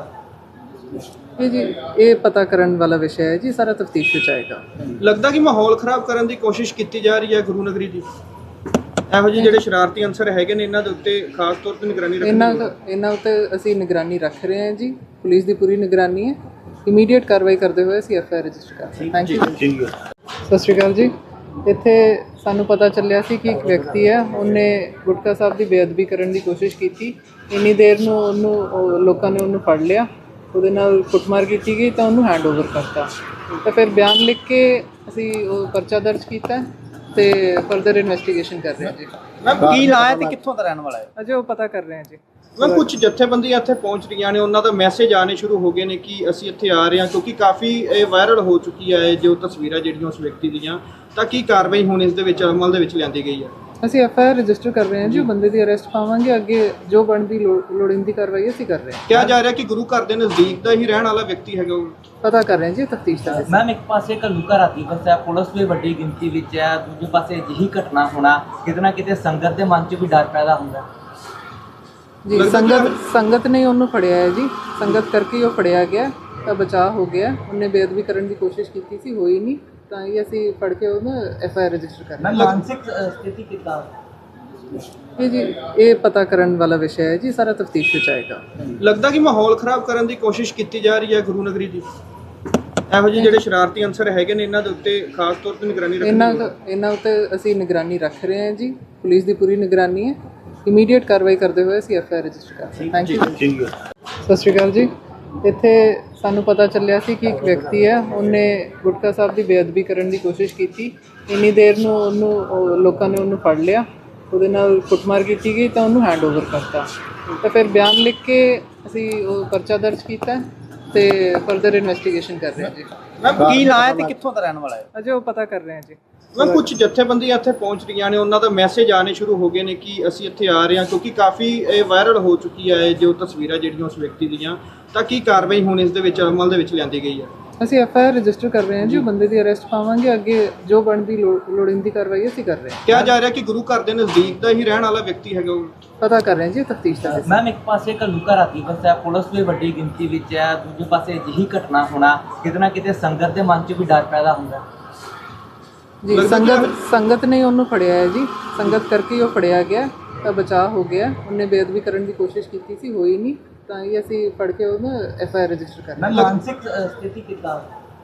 S1: ਇਹ ਜੀ ਇਹ ਪਤਾ ਕਰਨ ਵਾਲਾ ਵਿਸ਼ਾ ਹੈ ਜੀ, ਸਾਰਾ ਤਫਤੀਸ਼ ਵਿੱਚ ਆਏਗਾ।
S2: ਲੱਗਦਾ ਕਿ ਮਾਹੌਲ ਖਰਾਬ ਕਰਨ ਦੀ ਕੋਸ਼ਿਸ਼ ਕੀਤੀ ਜਾ ਰਹੀ ਹੈ ਗੁਰੂ ਨਗਰੀ ਦੀ। ਇਹੋ ਜਿਹੇ ਜਿਹੜੇ ਸ਼ਰਾਰਤੀ ਅੰਸਰ ਹੈਗੇ ਨੇ ਇਹਨਾਂ ਦੇ ਉੱਤੇ ਖਾਸ ਤੌਰ ਤੇ ਨਿਗਰਾਨੀ ਰੱਖਣੀ।
S1: ਇਹਨਾਂ ਉੱਤੇ ਅਸੀਂ ਨਿਗਰਾਨੀ ਰੱਖ ਰਹੇ ਹਾਂ ਜੀ, ਪੁਲਿਸ ਦੀ ਪੂਰੀ ਨਿਗਰਾਨੀ ਹੈ। ਇਮੀਡੀਏਟ ਕਾਰਵਾਈ ਕਰਦੇ ਹੋਏ ਅਸੀਂ ਐਫਆਈਆਰ ਰਜਿਸਟਰ ਕਰ ਰਹੇ ਹਾਂ। Thank you. ਸਤਿ ਸ਼੍ਰੀ ਅਕਾਲ ਜੀ। ਇੱਥੇ ਸਾਨੂੰ ਪਤਾ ਚੱਲਿਆ ਸੀ ਕਿ ਇੱਕ ਵਿਅਕਤੀ ਹੈ, ਉਹਨੇ ਗੁਟਕਾ ਸਾਹਿਬ ਦੀ ਬੇਅਦਬੀ ਕਰਨ ਦੀ ਕੋਸ਼ਿਸ਼ ਕੀਤੀ। ਇੰਨੀ ਦੇਰ ਨੂੰ ਲੋਕਾਂ ਨੇ ਉਹਨੂੰ ਫੜ ਲਿਆ, ਉਹਦੇ ਨਾਲ ਕੁੱਟਮਾਰ ਕੀਤੀ ਗਈ ਤਾਂ ਉਹਨੂੰ ਹੈਂਡਓਵਰ ਕਰਤਾ। ਤਾਂ ਫਿਰ ਬਿਆਨ ਲਿਖ ਕੇ ਅਸੀਂ ਉਹ ਪਰਚਾ ਦਰਜ ਕੀਤਾ ਤੇ ਫਰਦਰ ਇਨਵੈਸਟੀਗੇਸ਼ਨ ਕਰ ਰਹੇ ਹਾਂ ਜੀ।
S2: ਮੈਂ ਕੀ ਨਾਂ ਹੈ ਤੇ ਕਿੱਥੋਂ ਦਾ ਰਹਿਣ ਵਾਲਾ ਹੈ?
S1: ਅਜੇ ਉਹ ਪਤਾ ਕਰ ਰਹੇ ਹਾਂ ਜੀ।
S2: ਮੈਂ ਕੁਝ ਜਥੇਬੰਦੀਆਂ ਇੱਥੇ ਪਹੁੰਚ ਰਹੀਆਂ ਨੇ, ਉਹਨਾਂ ਦਾ ਮੈਸੇਜ ਆਣੇ ਸ਼ੁਰੂ ਹੋ ਗਏ ਨੇ ਕਿ ਅਸੀਂ ਇੱਥੇ ਆ ਰਹੇ ਹਾਂ, ਕਿਉਂਕਿ ਕਾਫੀ ਇਹ ਵਾਇਰਲ ਹੋ ਚੁੱਕੀ ਹੈ ਜੋ ਤਸਵੀਰਾਂ ਜਿਹੜੀਆਂ ਉਸ ਵਿਅਕਤੀ ਦੀਆਂ। ਤਾਂ ਕੀ ਕਾਰਵਾਈ ਹੁਣ ਇਸ ਦੇ ਵਿੱਚ ਅਮਲ ਦੇ ਵਿੱਚ ਲਿਆਂਦੀ ਗਈ ਹੈ?
S1: ਅਸੀਂ ਐਫਆਈਆਰ ਰਜਿਸਟਰ ਕਰ ਰਹੇ ਹਾਂ ਜੀ, ਬੰਦੇ ਦੀ ਅਰੈਸਟ ਪਾਵਾਂਗੇ, ਅੱਗੇ ਜੋ ਬਣਦੀ ਲੋੜੀਂਦੀ ਕਾਰਵਾਈ ਅਸੀਂ ਕਰ ਰਹੇ ਹਾਂ।
S2: ਕਿਹਾ ਜਾ ਰਿਹਾ ਕਿ ਗੁਰੂ ਘਰ ਦੇ ਨਜ਼ਦੀਕ ਦਾ ਹੀ ਰਹਿਣ ਵਾਲਾ ਵਿਅਕਤੀ ਹੈਗਾ ਉਹ।
S1: ਪਤਾ ਕਰ ਰਹੇ ਹਾਂ ਜੀ, ਤਫਤੀਸ਼ ਦਾ ਵਿਸ਼ਾ।
S3: ਮੈਮ ਇੱਕ ਪਾਸੇ ਘੱਲੂਘਾਰਾ ਰਾਤੀ ਫਸਿਆ, ਪੁਲਿਸ ਵੀ ਵੱਡੀ ਗਿਣਤੀ ਵਿੱਚ ਹੈ, ਦੂਜੇ ਪਾਸੇ ਅਜਿਹੀ ਘਟਨਾ ਹੋਣਾ ਕਿਤੇ ਨਾ ਕਿਤੇ ਸੰਗਤ ਦੇ ਮਨ 'ਚ ਵੀ ਡਰ ਪੈਦਾ ਹੁੰਦਾ
S1: ਜੀ। ਸੰਗਤ ਨੇ ਉਹਨੂੰ ਫੜਿਆ ਹੈ ਜੀ, ਸੰਗਤ ਕਰਕੇ ਹੀ ਉਹ ਫੜਿਆ ਗਿਆ ਤਾਂ ਬਚਾਅ ਹੋ ਗਿਆ। ਉਹਨੇ ਬੇਅਦਬੀ ਕਰਨ ਦੀ ਕੋਸ਼ਿਸ਼ ਕੀਤੀ ਸੀ, ਹੋਈ ਨਹੀਂ, ਤਾਂ ਹੀ ਅਸੀਂ ਫੜ ਕੇ ਉਹਨੂੰ ਐਫਆਈਆਰ ਰਜਿਸਟਰ ਕਰ ਰਹੇ ਹਾਂ।
S3: ਮੈਂ ਮਾਨਸਿਕ ਸਥਿਤੀ ਕਿੱਦਾਂ
S1: ਇਹ ਜੀ ਇਹ ਪਤਾ ਕਰਨ ਵਾਲਾ ਵਿਸ਼ਾ ਹੈ ਜੀ, ਸਾਰਾ ਤਫਤੀਸ਼ ਵਿੱਚ ਆਏਗਾ।
S2: ਲੱਗਦਾ ਕਿ ਮਾਹੌਲ ਖਰਾਬ ਕਰਨ ਦੀ ਕੋਸ਼ਿਸ਼ ਕੀਤੀ ਜਾ ਰਹੀ ਹੈ ਗੁਰੂ ਨਗਰੀ ਦੀ। ਇਹੋ ਜਿਹੇ ਜਿਹੜੇ ਸ਼ਰਾਰਤੀ ਅੰਸਰ ਹੈਗੇ ਨੇ ਇਹਨਾਂ ਦੇ ਉੱਤੇ ਖਾਸ ਤੌਰ ਤੇ ਨਿਗਰਾਨੀ ਰੱਖਣੀ।
S1: ਇਹਨਾਂ ਉੱਤੇ ਅਸੀਂ ਨਿਗਰਾਨੀ ਰੱਖ ਰਹੇ ਹਾਂ ਜੀ, ਪੁਲਿਸ ਦੀ ਪੂਰੀ ਨਿਗਰਾਨੀ ਹੈ। ਇਮੀਡੀਏਟ ਕਾਰਵਾਈ ਕਰਦੇ ਹੋਏ ਅਸੀਂ ਐਫਆਈਆਰ ਰਜਿਸਟਰ ਕਰ ਰਹੇ ਹਾਂ। Thank you. ਸਤਿ ਸ਼੍ਰੀ ਅਕਾਲ ਜੀ। ਇੱਥੇ ਸਾਨੂੰ ਪਤਾ ਚੱਲਿਆ ਸੀ ਕਿ ਇੱਕ ਵਿਅਕਤੀ ਹੈ, ਉਹਨੇ ਗੁਟਕਾ ਸਾਹਿਬ ਦੀ ਬੇਅਦਬੀ ਕਰਨ ਦੀ ਕੋਸ਼ਿਸ਼ ਕੀਤੀ। ਇੰਨੀ ਦੇਰ ਨੂੰ ਲੋਕਾਂ ਨੇ ਉਹਨੂੰ ਫੜ ਲਿਆ, ਉਹਦੇ ਨਾਲ ਕੁੱਟਮਾਰ ਕੀਤੀ ਗਈ ਤਾਂ ਉਹਨੂੰ ਹੈਂਡਓਵਰ ਕਰਤਾ। ਤਾਂ ਫਿਰ ਬਿਆਨ ਲਿਖ ਕੇ ਅਸੀਂ ਉਹ ਪਰਚਾ ਦਰਜ ਕੀਤਾ ਤੇ ਫਰਦਰ ਇਨਵੈਸਟੀਗੇਸ਼ਨ ਕਰ ਰਹੇ ਹਾਂ ਜੀ।
S2: ਮੈਂ ਕੀ ਨਾਂ ਹੈ ਤੇ ਕਿੱਥੋਂ ਦਾ ਰਹਿਣ ਵਾਲਾ ਹੈ?
S1: ਅਜੇ ਉਹ ਪਤਾ ਕਰ ਰਹੇ ਹਾਂ ਜੀ।
S2: ਮੈਂ ਕੁਝ ਜਥੇਬੰਦੀਆਂ ਇੱਥੇ ਪਹੁੰਚ ਰਹੀਆਂ ਨੇ, ਉਹਨਾਂ ਦਾ ਮੈਸੇਜ ਆਣੇ ਸ਼ੁਰੂ ਹੋ ਗਏ ਨੇ ਕਿ ਅਸੀਂ ਇੱਥੇ ਆ ਰਹੇ ਹਾਂ, ਕਿਉਂਕਿ ਕਾਫੀ ਇਹ ਵਾਇਰਲ ਹੋ ਚੁੱਕੀ ਹੈ ਜੋ ਤਸਵੀਰਾਂ ਜਿਹੜੀਆਂ ਉਸ ਵਿਅਕਤੀ ਦੀਆਂ। ਤਾਂ ਕੀ ਕਾਰਵਾਈ ਹੁਣ ਇਸ ਦੇ ਵਿੱਚ ਅਮਲ ਦੇ ਵਿੱਚ ਲਿਆਂਦੀ ਗਈ ਹੈ?
S1: ਅਸੀਂ ਐਫਆਈਆਰ ਰਜਿਸਟਰ ਕਰ ਰਹੇ ਹਾਂ ਜੀ, ਬੰਦੇ ਦੀ ਅਰੈਸਟ ਪਾਵਾਂਗੇ, ਅੱਗੇ ਜੋ ਬਣਦੀ ਲੋੜੀਂਦੀ ਕਾਰਵਾਈ ਅਸੀਂ ਕਰ ਰਹੇ ਹਾਂ।
S2: ਕਿਹਾ ਜਾ ਰਿਹਾ ਕਿ ਗੁਰੂ ਘਰ ਦੇ ਨਜ਼ਦੀਕ ਦਾ ਹੀ ਰਹਿਣ ਵਾਲਾ ਵਿਅਕਤੀ ਹੈਗਾ ਉਹ।
S1: ਪਤਾ ਕਰ ਰਹੇ ਹਾਂ ਜੀ, ਤਫਤੀਸ਼ ਦਾ ਵਿਸ਼ਾ।
S3: ਮੈਮ ਇੱਕ ਪਾਸੇ ਘੱਲੂਘਾਰਾ ਰਾਤੀ ਫਸਿਆ, ਪੁਲਿਸ ਵੀ ਵੱਡੀ ਗਿਣਤੀ ਵਿੱਚ ਹੈ, ਦੂਜੇ ਪਾਸੇ ਅਜਿਹੀ ਘਟਨਾ ਹੋਣਾ ਕਿਤੇ ਨਾ ਕਿਤੇ ਸੰਗਤ ਦੇ ਮਨ 'ਚ ਵੀ ਡਰ ਪੈਦਾ ਹੁੰਦਾ
S1: ਜੀ। ਸੰਗਤ ਨੇ ਉਹਨੂੰ ਫੜਿਆ ਹੈ ਜੀ, ਸੰਗਤ ਕਰਕੇ ਹੀ ਉਹ ਫੜਿਆ ਗਿਆ ਤਾਂ ਬਚਾਅ ਹੋ ਗਿਆ। ਉਹਨੇ ਬੇਅਦਬੀ ਕਰਨ ਦੀ ਕੋਸ਼ਿਸ਼ ਕੀਤੀ ਸੀ, ਹੋਈ ਨਹੀਂ, ਤਾਂ ਹੀ ਅਸੀਂ ਫੜ ਕੇ ਉਹਨੂੰ ਐਫਆਈਆਰ ਰਜਿਸਟਰ ਕਰ ਰਹੇ ਹਾਂ।
S3: ਮੈਂ ਮਾਨਸਿਕ ਸਥਿਤੀ ਕਿੱਦਾਂ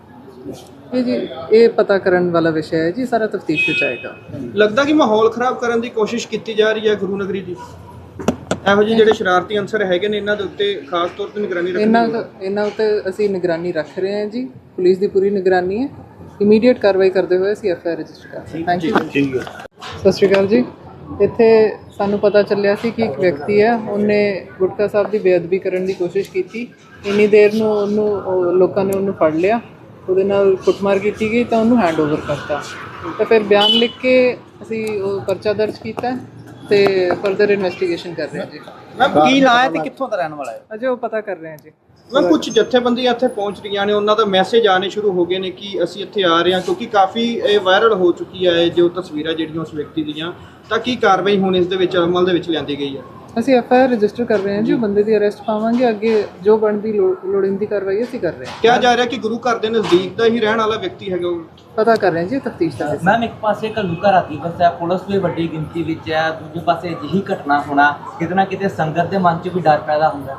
S1: ਇਹ ਜੀ ਇਹ ਪਤਾ ਕਰਨ ਵਾਲਾ ਵਿਸ਼ਾ ਹੈ ਜੀ, ਸਾਰਾ ਤਫਤੀਸ਼ ਵਿੱਚ ਆਏਗਾ।
S2: ਲੱਗਦਾ ਕਿ ਮਾਹੌਲ ਖਰਾਬ ਕਰਨ ਦੀ ਕੋਸ਼ਿਸ਼ ਕੀਤੀ ਜਾ ਰਹੀ ਹੈ ਗੁਰੂ ਨਗਰੀ ਦੀ। ਇਹੋ ਜਿਹੇ ਜਿਹੜੇ ਸ਼ਰਾਰਤੀ ਅੰਸਰ ਹੈਗੇ ਨੇ ਇਹਨਾਂ ਦੇ ਉੱਤੇ ਖਾਸ ਤੌਰ ਤੇ ਨਿਗਰਾਨੀ ਰੱਖਣੀ।
S1: ਇਹਨਾਂ ਉੱਤੇ ਅਸੀਂ ਨਿਗਰਾਨੀ ਰੱਖ ਰਹੇ ਹਾਂ ਜੀ, ਪੁਲਿਸ ਦੀ ਪੂਰੀ ਨਿਗਰਾਨੀ ਹੈ। ਇਮੀਡੀਏਟ ਕਾਰਵਾਈ ਕਰਦੇ ਹੋਏ ਅਸੀਂ ਐਫ ਆਈ ਆਰ ਰਜਿਸਟਰ ਕਰ ਰਹੇ ਥੈਂਕ ਯੂ
S2: ਠੀਕ ਹੈ।
S1: ਸਤਿ ਸ਼੍ਰੀ ਅਕਾਲ ਜੀ। ਇੱਥੇ ਸਾਨੂੰ ਪਤਾ ਚੱਲਿਆ ਸੀ ਕਿ ਇੱਕ ਵਿਅਕਤੀ ਹੈ, ਉਹਨੇ ਗੁਟਕਾ ਸਾਹਿਬ ਦੀ ਬੇਅਦਬੀ ਕਰਨ ਦੀ ਕੋਸ਼ਿਸ਼ ਕੀਤੀ। ਇੰਨੀ ਦੇਰ ਨੂੰ ਲੋਕਾਂ ਨੇ ਉਹਨੂੰ ਫੜ ਲਿਆ, ਉਹਦੇ ਨਾਲ ਕੁੱਟਮਾਰ ਕੀਤੀ ਗਈ ਤਾਂ ਉਹਨੂੰ ਹੈਂਡ ਓਵਰ ਕਰਤਾ। ਤਾਂ ਫਿਰ ਬਿਆਨ ਲਿਖ ਕੇ ਅਸੀਂ ਉਹ ਪਰਚਾ ਦਰਜ ਕੀਤਾ ਤੇ ਫਰਦਰ ਇਨਵੈਸਟੀਗੇਸ਼ਨ ਕਰ ਰਹੇ ਹਾਂ ਜੀ।
S2: ਮੈਮ ਕੀ ਨਾਂ ਹੈ ਤੇ ਕਿੱਥੋਂ ਦਾ ਰਹਿਣ ਵਾਲਾ ਹੈ?
S1: ਅਜੇ ਉਹ ਪਤਾ ਕਰ ਰਹੇ ਹਾਂ ਜੀ।
S2: ਮੈਂ ਕੁਝ ਜਥੇਬੰਦੀਆਂ ਇੱਥੇ ਪਹੁੰਚ ਰਹੀਆਂ ਨੇ, ਉਹਨਾਂ ਦਾ ਮੈਸੇਜ ਆਣੇ ਸ਼ੁਰੂ ਹੋ ਗਏ ਨੇ ਕਿ ਅਸੀਂ ਇੱਥੇ ਆ ਰਹੇ ਹਾਂ, ਕਿਉਂਕਿ ਕਾਫੀ ਇਹ ਵਾਇਰਲ ਹੋ ਚੁੱਕੀ ਹੈ ਜੋ ਤਸਵੀਰਾਂ ਜਿਹੜੀਆਂ ਉਸ ਵਿਅਕਤੀ ਦੀਆਂ। ਤਾਂ ਕੀ ਕਾਰਵਾਈ ਹੁਣ ਇਸ ਦੇ ਵਿੱਚ ਅਮਲ ਦੇ ਵਿੱਚ ਲਿਆਂਦੀ ਗਈ ਹੈ?
S1: ਅਸੀਂ ਐਫ ਆਈ ਆਰ ਰਜਿਸਟਰ ਕਰ ਰਹੇ ਹਾਂ ਜੀ। ਉਹ ਬੰਦੇ ਦੀ ਅਰੈਸਟ ਪਾਵਾਂਗੇ, ਅੱਗੇ ਜੋ ਬਣਦੀ ਲੋੜੀਂਦੀ ਕਾਰਵਾਈ ਅਸੀਂ ਕਰ ਰਹੇ ਹਾਂ।
S2: ਕਿਹਾ ਜਾ ਰਿਹਾ ਕਿ ਗੁਰੂ ਘਰ ਦੇ ਨਜ਼ਦੀਕ ਦਾ ਹੀ ਰਹਿਣ ਵਾਲਾ ਵਿਅਕਤੀ ਹੈਗਾ ਉਹ।
S1: ਪਤਾ ਕਰ ਰਹੇ ਹਾਂ ਜੀ, ਤਫਤੀਸ਼ ਦਾ ਹਿੱਸਾ।
S3: ਮੈਮ ਇੱਕ ਪਾਸੇ ਘੱਲੂਘਾਰਾ ਰਾਤੀ ਵਸਿਆ, ਪੁਲਿਸ ਵੀ ਵੱਡੀ ਗਿਣਤੀ ਵਿੱਚ ਹੈ, ਦੂਜੇ ਪਾਸੇ ਅਜਿਹੀ ਘਟਨਾ ਹੋਣਾ ਕਿਤੇ ਨਾ ਕਿਤੇ ਸੰਗਤ ਦੇ ਮਨ 'ਚ ਵੀ ਡਰ ਪੈਦਾ ਹੁੰਦਾ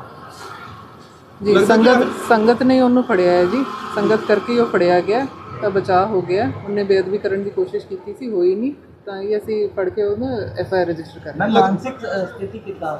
S1: ਜੀ। ਸੰਗਤ ਨੇ ਉਹਨੂੰ ਫੜਿਆ ਹੈ ਜੀ, ਸੰਗਤ ਕਰਕੇ ਉਹ ਫੜਿਆ ਗਿਆ ਤਾਂ ਬਚਾਅ ਹੋ ਗਿਆ। ਉਹਨੇ ਬੇਅਦਬੀ ਕਰਨ ਦੀ ਕੋਸ਼ਿਸ਼ ਕੀਤੀ ਸੀ, ਹੋਈ ਨਹੀਂ, ਤਾਂ ਇਹ ਅਸੀਂ ਫੜ ਕੇ ਉਹਨੂੰ ਐਫ ਆਈ ਆਰ ਰਜਿਸਟਰ ਕਰ ਰਹੇ ਹਾਂ।
S3: ਮਾਨਸਿਕ ਸਥਿਤੀ ਕਿੱਦਾਂ?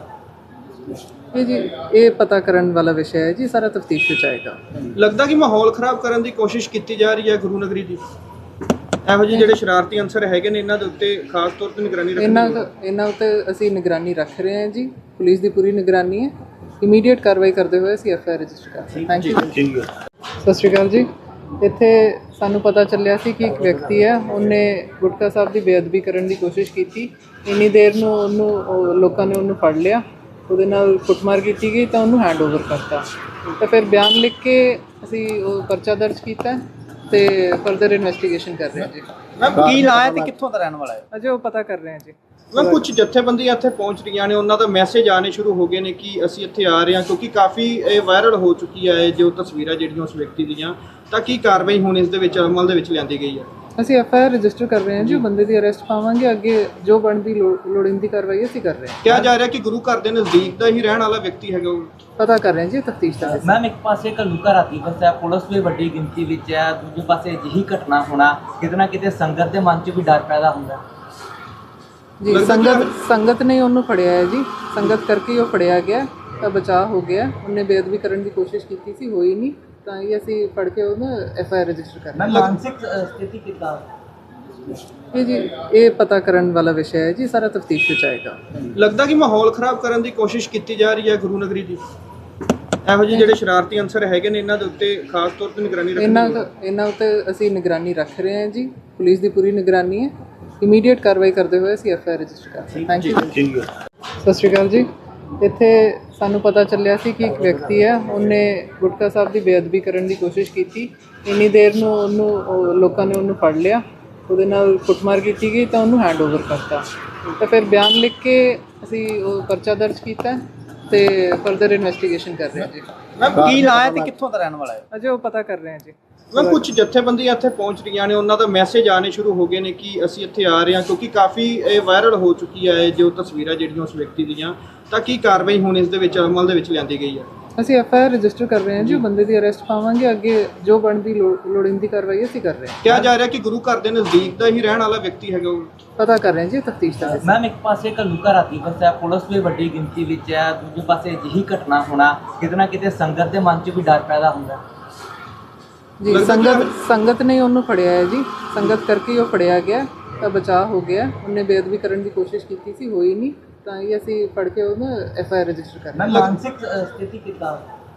S1: ਇਹ ਜੀ ਇਹ ਪਤਾ ਕਰਨ ਵਾਲਾ ਵਿਸ਼ਾ ਹੈ ਜੀ, ਸਾਰਾ ਤਫਤੀਸ਼ ਵਿੱਚ ਆਏਗਾ।
S2: ਲੱਗਦਾ ਕਿ ਮਾਹੌਲ ਖਰਾਬ ਕਰਨ ਦੀ ਕੋਸ਼ਿਸ਼ ਕੀਤੀ ਜਾ ਰਹੀ ਹੈ ਗੁਰੂ ਨਗਰੀ ਦੀ। ਇਹੋ ਜਿਹੇ ਜਿਹੜੇ ਸ਼ਰਾਰਤੀ ਅੰਸਰ ਹੈਗੇ ਨੇ, ਇਹਨਾਂ ਦੇ ਉੱਤੇ ਖਾਸ ਤੌਰ ਤੇ ਨਿਗਰਾਨੀ ਰੱਖਣੀ
S1: ਇਹਨਾਂ ਉੱਤੇ ਅਸੀਂ ਨਿਗਰਾਨੀ ਰੱਖ ਰਹੇ ਹਾਂ ਜੀ। ਪੁਲਿਸ ਦੀ ਪੂਰੀ ਨਿਗਰਾਨੀ ਹੈ। ਇਮੀਡੀਏਟ ਕਾਰਵਾਈ ਕਰਦੇ ਹੋਏ ਅਸੀਂ ਐਫ ਆਈ ਆਰ ਰਜਿਸਟਰ ਕਰ ਰਹੇ ਥੈਂਕ ਯੂ।
S2: ਠੀਕ ਹੈ।
S1: ਸਤਿ ਸ਼੍ਰੀ ਅਕਾਲ ਜੀ। ਇੱਥੇ ਸਾਨੂੰ ਪਤਾ ਚੱਲਿਆ ਸੀ ਕਿ ਇੱਕ ਵਿਅਕਤੀ ਹੈ, ਉਹਨੇ ਗੁਟਕਾ ਸਾਹਿਬ ਦੀ ਬੇਅਦਬੀ ਕਰਨ ਦੀ ਕੋਸ਼ਿਸ਼ ਕੀਤੀ। ਇੰਨੀ ਦੇਰ ਨੂੰ ਲੋਕਾਂ ਨੇ ਉਹਨੂੰ ਫੜ ਲਿਆ, ਉਹਦੇ ਨਾਲ ਕੁੱਟਮਾਰ ਕੀਤੀ ਗਈ ਤਾਂ ਉਹਨੂੰ ਹੈਂਡ ਓਵਰ ਕਰਤਾ। ਤਾਂ ਫਿਰ ਬਿਆਨ ਲਿਖ ਕੇ ਅਸੀਂ ਉਹ ਪਰਚਾ ਦਰਜ ਕੀਤਾ ਤੇ ਫਰਦਰ ਇਨਵੈਸਟੀਗੇਸ਼ਨ ਕਰ ਰਹੇ ਹਾਂ ਜੀ।
S2: ਮੈਮ ਕੀ ਨਾਂ ਹੈ ਤੇ ਕਿੱਥੋਂ ਦਾ ਰਹਿਣ ਵਾਲਾ ਹੈ?
S1: ਅਜੇ ਉਹ ਪਤਾ ਕਰ ਰਹੇ ਹਾਂ ਜੀ।
S2: ਮੈਂ ਕੁਝ ਜਥੇਬੰਦੀਆਂ ਇੱਥੇ ਪਹੁੰਚ ਰਹੀਆਂ ਨੇ, ਉਹਨਾਂ ਦਾ ਮੈਸੇਜ ਆਣੇ ਸ਼ੁਰੂ ਹੋ ਗਏ ਨੇ ਕਿ ਅਸੀਂ ਇੱਥੇ ਆ ਰਹੇ ਹਾਂ, ਕਿਉਂਕਿ ਕਾਫੀ ਇਹ ਵਾਇਰਲ ਹੋ ਚੁੱਕੀ ਹੈ ਜੋ ਤਸਵੀਰਾਂ ਜਿਹੜੀਆਂ ਉਸ ਵਿਅਕਤੀ ਦੀਆਂ। ਤਾਂ ਕੀ ਕਾਰਵਾਈ ਹੁਣ ਇਸ ਦੇ ਵਿੱਚ ਅਮਲ ਦੇ ਵਿੱਚ ਲਿਆਂਦੀ ਗਈ ਹੈ?
S1: ਅਸੀਂ ਐਫ ਆਈ ਆਰ ਰਜਿਸਟਰ ਕਰ ਰਹੇ ਹਾਂ ਜੀ। ਉਹ ਬੰਦੇ ਦੀ ਅਰੈਸਟ ਪਾਵਾਂਗੇ, ਅੱਗੇ ਜੋ ਬਣਦੀ ਲੋੜੀਂਦੀ ਕਾਰਵਾਈ ਅਸੀਂ ਕਰ ਰਹੇ ਹਾਂ।
S2: ਕਿਹਾ ਜਾ ਰਿਹਾ ਕਿ ਗੁਰੂ ਘਰ ਦੇ ਨਜ਼ਦੀਕ ਦਾ ਹੀ ਰਹਿਣ ਵਾਲਾ ਵਿਅਕਤੀ ਹੈਗਾ ਉਹ।
S1: ਪਤਾ ਕਰ ਰਹੇ ਹਾਂ ਜੀ, ਤਫਤੀਸ਼ ਦਾ ਹਿੱਸਾ।
S3: ਮੈਮ ਇੱਕ ਪਾਸੇ ਘੱਲੂਘਾਰਾ ਰਾਤੀ ਵਸਿਆ, ਪੁਲਿਸ ਵੀ ਵੱਡੀ ਗਿਣਤੀ ਵਿੱਚ ਹੈ, ਦੂਜੇ ਪਾਸੇ ਅਜਿਹੀ ਘਟਨਾ ਹੋਣਾ ਕਿਤੇ ਨਾ ਕਿਤੇ ਸੰਗਤ ਦੇ ਮਨ 'ਚ ਵੀ ਡਰ ਪੈਦਾ ਹੁੰਦਾ
S1: ਜੀ। ਸੰਗਤ ਨੇ ਉਹਨੂੰ ਫੜਿਆ ਹੈ ਜੀ, ਸੰਗਤ ਕਰਕੇ ਉਹ ਫੜਿਆ ਗਿਆ ਤਾਂ ਬਚਾਅ ਹੋ ਗਿਆ। ਉਹਨੇ ਬੇਅਦਬੀ ਕਰਨ ਦੀ ਕੋਸ਼ਿਸ਼ ਕੀਤੀ ਸੀ, ਹੋਈ ਨਹੀਂ, ਤਾਂ ਇਹ ਅਸੀਂ ਫੜ ਕੇ ਉਹਨੂੰ ਐਫ ਆਈ ਆਰ ਰਜਿਸਟਰ ਕਰ ਰਹੇ ਹਾਂ।
S3: ਮਾਨਸਿਕ ਸਥਿਤੀ ਕਿੱਦਾਂ?
S1: ਇਹ ਜੀ ਇਹ ਪਤਾ ਕਰਨ ਵਾਲਾ ਵਿਸ਼ਾ ਹੈ ਜੀ, ਸਾਰਾ ਤਫਤੀਸ਼ ਵਿੱਚ ਆਏਗਾ।
S2: ਲੱਗਦਾ ਕਿ ਮਾਹੌਲ ਖਰਾਬ ਕਰਨ ਦੀ ਕੋਸ਼ਿਸ਼ ਕੀਤੀ ਜਾ ਰਹੀ ਹੈ ਗੁਰੂ ਨਗਰੀ ਦੀ। ਇਹੋ ਜਿਹੇ ਜਿਹੜੇ ਸ਼ਰਾਰਤੀ ਅੰਸਰ ਹੈਗੇ ਨੇ, ਇਹਨਾਂ ਦੇ ਉੱਤੇ ਖਾਸ ਤੌਰ ਤੇ ਨਿਗਰਾਨੀ ਰੱਖਣੀ
S1: ਇਹਨਾਂ ਉੱਤੇ ਅਸੀਂ ਨਿਗਰਾਨੀ ਰੱਖ ਰਹੇ ਹਾਂ ਜੀ। ਪੁਲਿਸ ਦੀ ਪੂਰੀ ਨਿਗਰਾਨੀ ਹੈ। ਇਮੀਡੀਏਟ ਕਾਰਵਾਈ ਕਰਦੇ ਹੋਏ ਅਸੀਂ ਐਫ ਆਈ ਆਰ ਰਜਿਸਟਰ ਕਰ ਰਹੇ ਥੈਂਕ ਯੂ।
S2: ਠੀਕ ਹੈ।
S1: ਸਤਿ ਸ਼੍ਰੀ ਅਕਾਲ ਜੀ। ਇੱਥੇ ਸਾਨੂੰ ਪਤਾ ਚੱਲਿਆ ਸੀ ਕਿ ਇੱਕ ਵਿਅਕਤੀ ਹੈ, ਉਹਨੇ ਗੁਟਕਾ ਸਾਹਿਬ ਦੀ ਬੇਅਦਬੀ ਕਰਨ ਦੀ ਕੋਸ਼ਿਸ਼ ਕੀਤੀ। ਇੰਨੀ ਦੇਰ ਨੂੰ ਲੋਕਾਂ ਨੇ ਉਹਨੂੰ ਫੜ ਲਿਆ, ਉਹਦੇ ਨਾਲ ਕੁੱਟਮਾਰ ਕੀਤੀ ਗਈ ਤਾਂ ਉਹਨੂੰ ਹੈਂਡ ਓਵਰ ਕਰਤਾ। ਤਾਂ ਫਿਰ ਬਿਆਨ ਲਿਖ ਕੇ ਅਸੀਂ ਉਹ ਪਰਚਾ ਦਰਜ ਕੀਤਾ ਤੇ ਫਰਦਰ ਇਨਵੈਸਟੀਗੇਸ਼ਨ ਕਰ ਰਹੇ ਹਾਂ ਜੀ।
S2: ਮੈਮ ਕੀ ਨਾਂ ਹੈ ਤੇ ਕਿੱਥੋਂ ਦਾ ਰਹਿਣ ਵਾਲਾ ਹੈ?
S1: ਅਜੇ ਉਹ ਪਤਾ ਕਰ ਰਹੇ ਹਾਂ ਜੀ।
S2: ਮੈਂ ਕੁਝ ਜਥੇਬੰਦੀਆਂ ਇੱਥੇ ਪਹੁੰਚ ਰਹੀਆਂ ਨੇ, ਉਹਨਾਂ ਦਾ ਮੈਸੇਜ ਆਣੇ ਸ਼ੁਰੂ ਹੋ ਗਏ ਨੇ ਕਿ ਅਸੀਂ ਇੱਥੇ ਆ ਰਹੇ ਹਾਂ, ਕਿਉਂਕਿ ਕਾਫੀ ਇਹ ਵਾਇਰਲ ਹੋ ਚੁੱਕੀ ਹੈ ਜੋ ਤਸਵੀਰਾਂ ਜਿਹੜੀਆਂ ਉਸ ਵਿਅਕਤੀ ਦੀਆਂ। ਤਾਂ ਕੀ ਕਾਰਵਾਈ ਹੁਣ ਇਸ ਦੇ ਵਿੱਚ ਅਮਲ ਦੇ ਵਿੱਚ ਲਿਆਂਦੀ ਗਈ ਹੈ?
S1: ਅਸੀਂ ਐਫ ਆਈ ਆਰ ਰਜਿਸਟਰ ਕਰ ਰਹੇ ਹਾਂ ਜੀ। ਉਹ ਬੰਦੇ ਦੀ ਅਰੈਸਟ ਪਾਵਾਂਗੇ, ਅੱਗੇ ਜੋ ਬਣਦੀ ਲੋੜੀਂਦੀ ਕਾਰਵਾਈ ਅਸੀਂ ਕਰ ਰਹੇ ਹਾਂ।
S2: ਕਿਹਾ ਜਾ ਰਿਹਾ ਕਿ ਗੁਰੂ ਘਰ ਦੇ ਨਜ਼ਦੀਕ ਦਾ ਹੀ ਰਹਿਣ ਵਾਲਾ ਵਿਅਕਤੀ ਹੈਗਾ ਉਹ।
S1: ਪਤਾ ਕਰ ਰਹੇ ਹਾਂ ਜੀ, ਤਫਤੀਸ਼ ਦਾ ਹਿੱਸਾ।
S3: ਮੈਮ ਇੱਕ ਪਾਸੇ ਘੱਲੂਘਾਰਾ ਰਾਤੀ ਵਸਿਆ, ਪੁਲਿਸ ਵੀ ਵੱਡੀ ਗਿਣਤੀ ਵਿੱਚ ਹੈ, ਦੂਜੇ ਪਾਸੇ ਅਜਿਹੀ ਘਟਨਾ ਹੋਣਾ ਕਿਤੇ ਨਾ ਕਿਤੇ ਸੰਗਤ ਦੇ ਮਨ 'ਚ ਵੀ ਡਰ ਪੈਦਾ ਹੁੰਦਾ
S1: ਜੀ। ਸੰਗਤ ਨੇ ਉਹਨੂੰ ਫੜਿਆ ਹੈ ਜੀ, ਸੰਗਤ ਕਰਕੇ ਉਹ ਫੜਿਆ ਗਿਆ ਤਾਂ ਬਚਾਅ ਹੋ ਗਿਆ। ਉਹਨੇ ਬੇਅਦਬੀ ਕਰਨ ਦੀ ਕੋਸ਼ਿਸ਼ ਕੀਤੀ ਸੀ, ਹੋਈ ਨਹੀਂ, ਤਾਂ ਇਹ ਅਸੀਂ ਫੜ ਕੇ ਉਹਨੂੰ ਐਫ ਆਈ ਆਰ ਰਜਿਸਟਰ ਕਰ ਰਹੇ
S3: ਮਾਨਸਿਕ ਸਥਿਤੀ ਕਿੱਦਾਂ?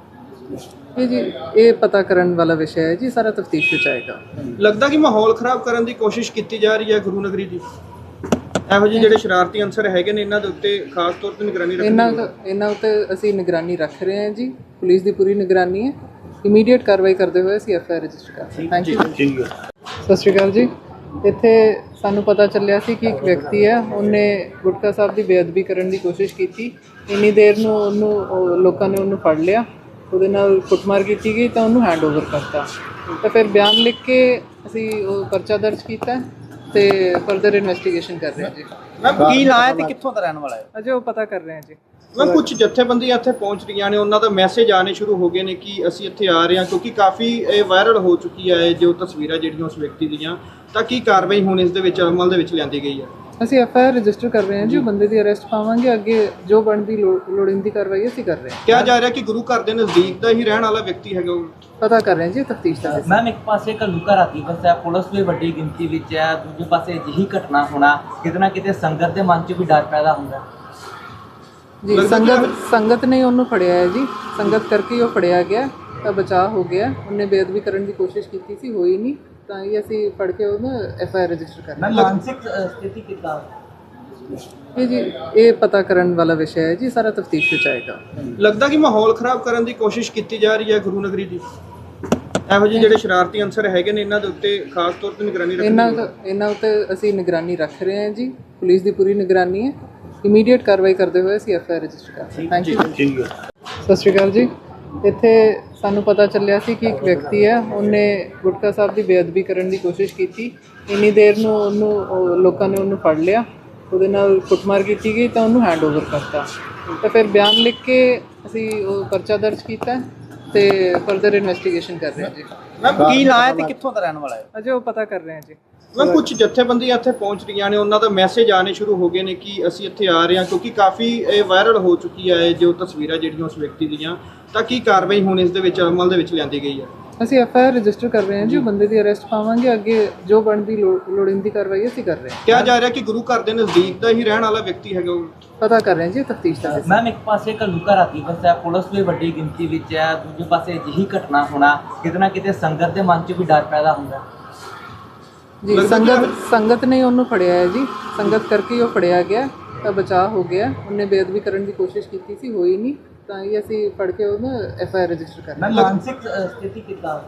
S1: ਇਹ ਜੀ ਇਹ ਪਤਾ ਕਰਨ ਵਾਲਾ ਵਿਸ਼ਾ ਹੈ ਜੀ, ਸਾਰਾ ਤਫਤੀਸ਼ ਵਿੱਚ ਆਏਗਾ।
S2: ਲੱਗਦਾ ਕਿ ਮਾਹੌਲ ਖਰਾਬ ਕਰਨ ਦੀ ਕੋਸ਼ਿਸ਼ ਕੀਤੀ ਜਾ ਰਹੀ ਹੈ ਗੁਰੂ ਨਗਰੀ ਦੀ। ਇਹੋ ਜਿਹੇ ਜਿਹੜੇ ਸ਼ਰਾਰਤੀ ਅੰਸਰ ਹੈਗੇ ਨੇ, ਇਹਨਾਂ ਦੇ ਉੱਤੇ ਖਾਸ ਤੌਰ ਤੇ ਨਿਗਰਾਨੀ ਰੱਖਣੀ
S1: ਇਹਨਾਂ ਉੱਤੇ ਅਸੀਂ ਨਿਗਰਾਨੀ ਰੱਖ ਰਹੇ ਹਾਂ ਜੀ। ਪੁਲਿਸ ਦੀ ਪੂਰੀ ਨਿਗਰਾਨੀ ਹੈ। ਇਮੀਡੀਏਟ ਕਾਰਵਾਈ ਕਰਦੇ ਹੋਏ ਅਸੀਂ ਐਫ ਆਈ ਆਰ ਰਜਿਸਟਰ ਕਰ ਰਹੇ ਥੈਂਕ ਯੂ।
S2: ਠੀਕ ਹੈ।
S1: ਸਤਿ ਸ਼੍ਰੀ ਅਕਾਲ ਜੀ। ਇੱਥੇ ਸਾਨੂੰ ਪਤਾ ਚੱਲਿਆ ਸੀ ਕਿ ਇੱਕ ਵਿਅਕਤੀ ਹੈ, ਉਹਨੇ ਗੁਟਕਾ ਸਾਹਿਬ ਦੀ ਬੇਅਦਬੀ ਕਰਨ ਦੀ ਕੋਸ਼ਿਸ਼ ਕੀਤੀ। ਇੰਨੀ ਦੇਰ ਨੂੰ ਲੋਕਾਂ ਨੇ ਉਹਨੂੰ ਫੜ ਲਿਆ, ਉਹਦੇ ਨਾਲ ਕੁੱਟਮਾਰ ਕੀਤੀ ਗਈ ਤਾਂ ਉਹਨੂੰ ਹੈਂਡ ਓਵਰ ਕਰਤਾ। ਤਾਂ ਫਿਰ ਬਿਆਨ ਲਿਖ ਕੇ ਅਸੀਂ ਉਹ ਪਰਚਾ ਦਰਜ ਕੀਤਾ ਤੇ ਫਰਦਰ ਇਨਵੈਸਟੀਗੇਸ਼ਨ ਕਰ ਰਹੇ ਹਾਂ ਜੀ।
S2: ਮੈਮ ਕੀ ਨਾਂ ਹੈ ਤੇ ਕਿੱਥੋਂ ਦਾ ਰਹਿਣ ਵਾਲਾ ਹੈ?
S1: ਅਜੇ ਉਹ ਪਤਾ ਕਰ ਰਹੇ ਹਾਂ ਜੀ।
S2: ਮੈਂ ਕੁਝ ਜਥੇਬੰਦੀਆਂ ਇੱਥੇ ਪਹੁੰਚ ਰਹੀਆਂ ਨੇ, ਉਹਨਾਂ ਦਾ ਮੈਸੇਜ ਆਣੇ ਸ਼ੁਰੂ ਹੋ ਗਏ ਨੇ ਕਿ ਅਸੀਂ ਇੱਥੇ ਆ ਰਹੇ ਹਾਂ, ਕਿਉਂਕਿ ਕਾਫੀ ਇਹ ਵਾਇਰਲ ਹੋ ਚੁੱਕੀ ਹੈ ਜੋ ਤਸਵੀਰਾਂ ਜਿਹੜੀਆਂ ਉਸ ਵਿਅਕਤੀ ਦੀਆਂ। ਤਾਂ ਕੀ ਕਾਰਵਾਈ ਹੁਣ ਇਸ ਦੇ ਵਿੱਚ ਅਮਲ ਦੇ ਵਿੱਚ ਲਿਆਂਦੀ ਗਈ ਹੈ?
S1: ਅਸੀਂ ਐਫਆਈਆਰ ਰਜਿਸਟਰ ਕਰ ਰਹੇ ਹਾਂ ਜੀ, ਉਹ ਬੰਦੇ ਦੀ ਅਰੈਸਟ ਪਾਵਾਂਗੇ, ਅੱਗੇ ਜੋ ਬਣਦੀ ਲੋੜੀਂਦੀ ਕਾਰਵਾਈ ਅਸੀਂ ਕਰ ਰਹੇ ਹਾਂ।
S2: ਕਿਹਾ ਜਾ ਰਿਹਾ ਕਿ ਗੁਰੂ ਘਰ ਦੇ ਨਜ਼ਦੀਕ ਦਾ ਹੀ ਰਹਿਣ ਵਾਲਾ ਵਿਅਕਤੀ ਹੈਗਾ ਉਹ।
S1: ਪਤਾ ਕਰ ਰਹੇ ਹਾਂ ਜੀ, ਤਫਤੀਸ਼ ਦਾ ਹਿੱਸਾ।
S3: ਮੈਮ ਇੱਕ ਪਾਸੇ ਘੱਲੂਘਾਰਾ ਦਿਵਸ ਹੈ, ਪੁਲਿਸ ਵੀ ਵੱਡੀ ਗਿਣਤੀ ਵਿੱਚ ਹੈ, ਦੂਜੇ ਪਾਸੇ ਅਜਿਹੀ ਘਟਨਾ ਹੋਣਾ ਕਿਤੇ ਨਾ ਕਿਤੇ ਸੰਗਤ ਦੇ ਮਨ 'ਚ ਵੀ ਡਰ ਪੈਦਾ ਹੁੰਦਾ
S1: ਜੀ। ਸੰਗਤ ਨੇ ਉਹਨੂੰ ਫੜਿਆ ਹੈ ਜੀ, ਸੰਗਤ ਕਰਕੇ ਹੀ ਉਹ ਫੜਿਆ ਗਿਆ ਤਾਂ ਬਚਾਅ ਹੋ ਗਿਆ। ਉਹਨੇ ਬੇਅਦਬੀ ਕਰਨ ਦੀ ਕੋਸ਼ਿਸ਼ ਕੀਤੀ ਸੀ, ਹੋਈ ਨਹੀਂ, ਤਾਂ ਹੀ ਅਸੀਂ ਫੜ ਕੇ ਉਹਨੂੰ ਐਫਆਈਆਰ ਰਜਿਸਟਰ ਕਰ ਰਹੇ
S3: ਮੈਂ ਮਾਨਸਿਕ ਸਥਿਤੀ ਕਿੱਦਾਂ
S1: ਹਾਂ ਜੀ। ਇਹ ਪਤਾ ਕਰਨ ਵਾਲਾ ਵਿਸ਼ਾ ਹੈ ਜੀ, ਸਾਰਾ ਤਫਤੀਸ਼ ਵਿੱਚ ਆਏਗਾ।
S2: ਲੱਗਦਾ ਕਿ ਮਾਹੌਲ ਖਰਾਬ ਕਰਨ ਦੀ ਕੋਸ਼ਿਸ਼ ਕੀਤੀ ਜਾ ਰਹੀ ਹੈ ਗੁਰੂ ਨਗਰੀ ਦੀ। ਇਹੋ ਜਿਹੇ ਜਿਹੜੇ ਸ਼ਰਾਰਤੀ ਅੰਸਰ ਹੈਗੇ ਨੇ ਇਹਨਾਂ ਦੇ ਉੱਤੇ ਖਾਸ ਤੌਰ ਤੇ ਨਿਗਰਾਨੀ ਰੱਖਣੀ
S1: ਇਹਨਾਂ ਉੱਤੇ ਅਸੀਂ ਨਿਗਰਾਨੀ ਰੱਖ ਰਹੇ ਹਾਂ ਜੀ, ਪੁਲਿਸ ਦੀ ਪੂਰੀ ਨਿਗਰਾਨੀ ਹੈ। ਇਮੀਡੀਏਟ ਕਾਰਵਾਈ ਕਰਦੇ ਹੋਏ ਅਸੀਂ ਐਫਆਈਆਰ ਰਜਿਸਟਰ ਕਰ ਰਹੇ ਹਾਂ। Thank you. ਸਤਿ ਸ਼੍ਰੀ ਅਕਾਲ ਜੀ। ਇੱਥੇ ਸਾਨੂੰ ਪਤਾ ਚੱਲਿਆ ਸੀ ਕਿ ਇੱਕ ਵਿਅਕਤੀ ਹੈ, ਉਹਨੇ ਗੁਟਕਾ ਸਾਹਿਬ ਦੀ ਬੇਅਦਬੀ ਕਰਨ ਦੀ ਕੋਸ਼ਿਸ਼ ਕੀਤੀ। ਇੰਨੀ ਦੇਰ ਨੂੰ ਲੋਕਾਂ ਨੇ ਉਹਨੂੰ ਫੜ ਲਿਆ, ਉਹਦੇ ਨਾਲ ਕੁੱਟਮਾਰ ਕੀਤੀ ਗਈ ਤਾਂ ਉਹਨੂੰ ਹੈਂਡਓਵਰ ਕਰਤਾ। ਤਾਂ ਫਿਰ ਬਿਆਨ ਲਿਖ ਕੇ ਅਸੀਂ ਉਹ ਪਰਚਾ ਦਰਜ ਕੀਤਾ ਤੇ ਫਰਦਰ ਇਨਵੈਸਟੀਗੇਸ਼ਨ ਕਰ ਰਹੇ ਹਾਂ ਜੀ।
S2: ਕੀ ਨਾਂ ਹੈ ਤੇ ਕਿੱਥੋਂ ਦਾ ਰਹਿਣ ਵਾਲਾ ਹੈ?
S1: ਅਜੇ ਉਹ ਪਤਾ ਕਰ ਰਹੇ ਹਾਂ ਜੀ।
S2: ਮੈਂ ਕੁਝ ਜਥੇਬੰਦੀਆਂ ਇੱਥੇ ਪਹੁੰਚ ਰਹੀਆਂ ਨੇ, ਉਹਨਾਂ ਦਾ ਮੈਸੇਜ ਆਣੇ ਸ਼ੁਰੂ ਹੋ ਗਏ ਨੇ ਕਿ ਅਸੀਂ ਇੱਥੇ ਆ ਰਹੇ ਹਾਂ, ਕਿਉਂਕਿ ਕਾਫੀ ਇਹ ਵਾਇਰਲ ਹੋ ਚੁੱਕੀ ਹੈ ਜੋ ਤਸਵੀਰਾਂ ਜਿਹੜੀਆਂ ਉਸ ਵਿਅਕਤੀ ਦੀਆਂ। ਤਾਂ ਕੀ ਕਾਰਵਾਈ ਹੁਣ ਇਸ ਦੇ ਵਿੱਚ ਅਮਲ ਦੇ ਵਿੱਚ ਲਿਆਂਦੀ ਗਈ ਹੈ?
S1: ਅਸੀਂ ਐਫਆਈਆਰ ਰਜਿਸਟਰ ਕਰ ਰਹੇ ਹਾਂ ਜੀ, ਉਹ ਬੰਦੇ ਦੀ ਅਰੈਸਟ ਪਾਵਾਂਗੇ, ਅੱਗੇ ਜੋ ਬਣਦੀ ਲੋੜੀਂਦੀ ਕਾਰਵਾਈ ਅਸੀਂ ਕਰ ਰਹੇ ਹਾਂ।
S2: ਕਿਹਾ ਜਾ ਰਿਹਾ ਕਿ ਗੁਰੂ ਘਰ ਦੇ ਨਜ਼ਦੀਕ ਦਾ ਹੀ ਰਹਿਣ ਵਾਲਾ ਵਿਅਕਤੀ ਹੈਗਾ ਉਹ।
S1: ਪਤਾ ਕਰ ਰਹੇ ਹਾਂ ਜੀ, ਤਫਤੀਸ਼ ਦਾ ਹਿੱਸਾ।
S3: ਮੈਮ ਇੱਕ ਪਾਸੇ ਘੱਲੂਘਾਰਾ ਦਿਵਸ ਹੈ, ਪੁਲਿਸ ਵੀ ਵੱਡੀ ਗਿਣਤੀ ਵਿੱਚ ਹੈ, ਦੂਜੇ ਪਾਸੇ ਅਜਿਹੀ ਘਟਨਾ ਹੋਣਾ ਕਿਤੇ ਨਾ ਕਿਤੇ ਸੰਗਤ ਦੇ ਮਨ 'ਚ ਵੀ ਡਰ ਪੈਦਾ ਹੁੰਦਾ
S1: ਜੀ। ਸੰਗਤ ਨੇ ਉਹਨੂੰ ਫੜਿਆ ਹੈ ਜੀ, ਸੰਗਤ ਕਰਕੇ ਹੀ ਉਹ ਫੜਿਆ ਗਿਆ ਤਾਂ ਬਚਾਅ ਹੋ ਗਿਆ। ਉਹਨੇ ਬੇਅਦਬੀ ਕਰਨ ਦੀ ਕੋਸ਼ਿਸ਼ ਕੀਤੀ ਸੀ, ਹੋਈ ਨਹੀਂ, ਤਾਂ ਹੀ ਅਸੀਂ ਫੜ ਕੇ ਉਹਨੂੰ ਐਫਆਈਆਰ ਰਜਿਸਟਰ ਕਰ ਰਹੇ
S3: ਮੈਂ ਮਾਨਸਿਕ ਸਥਿਤੀ ਕਿੱਦਾਂ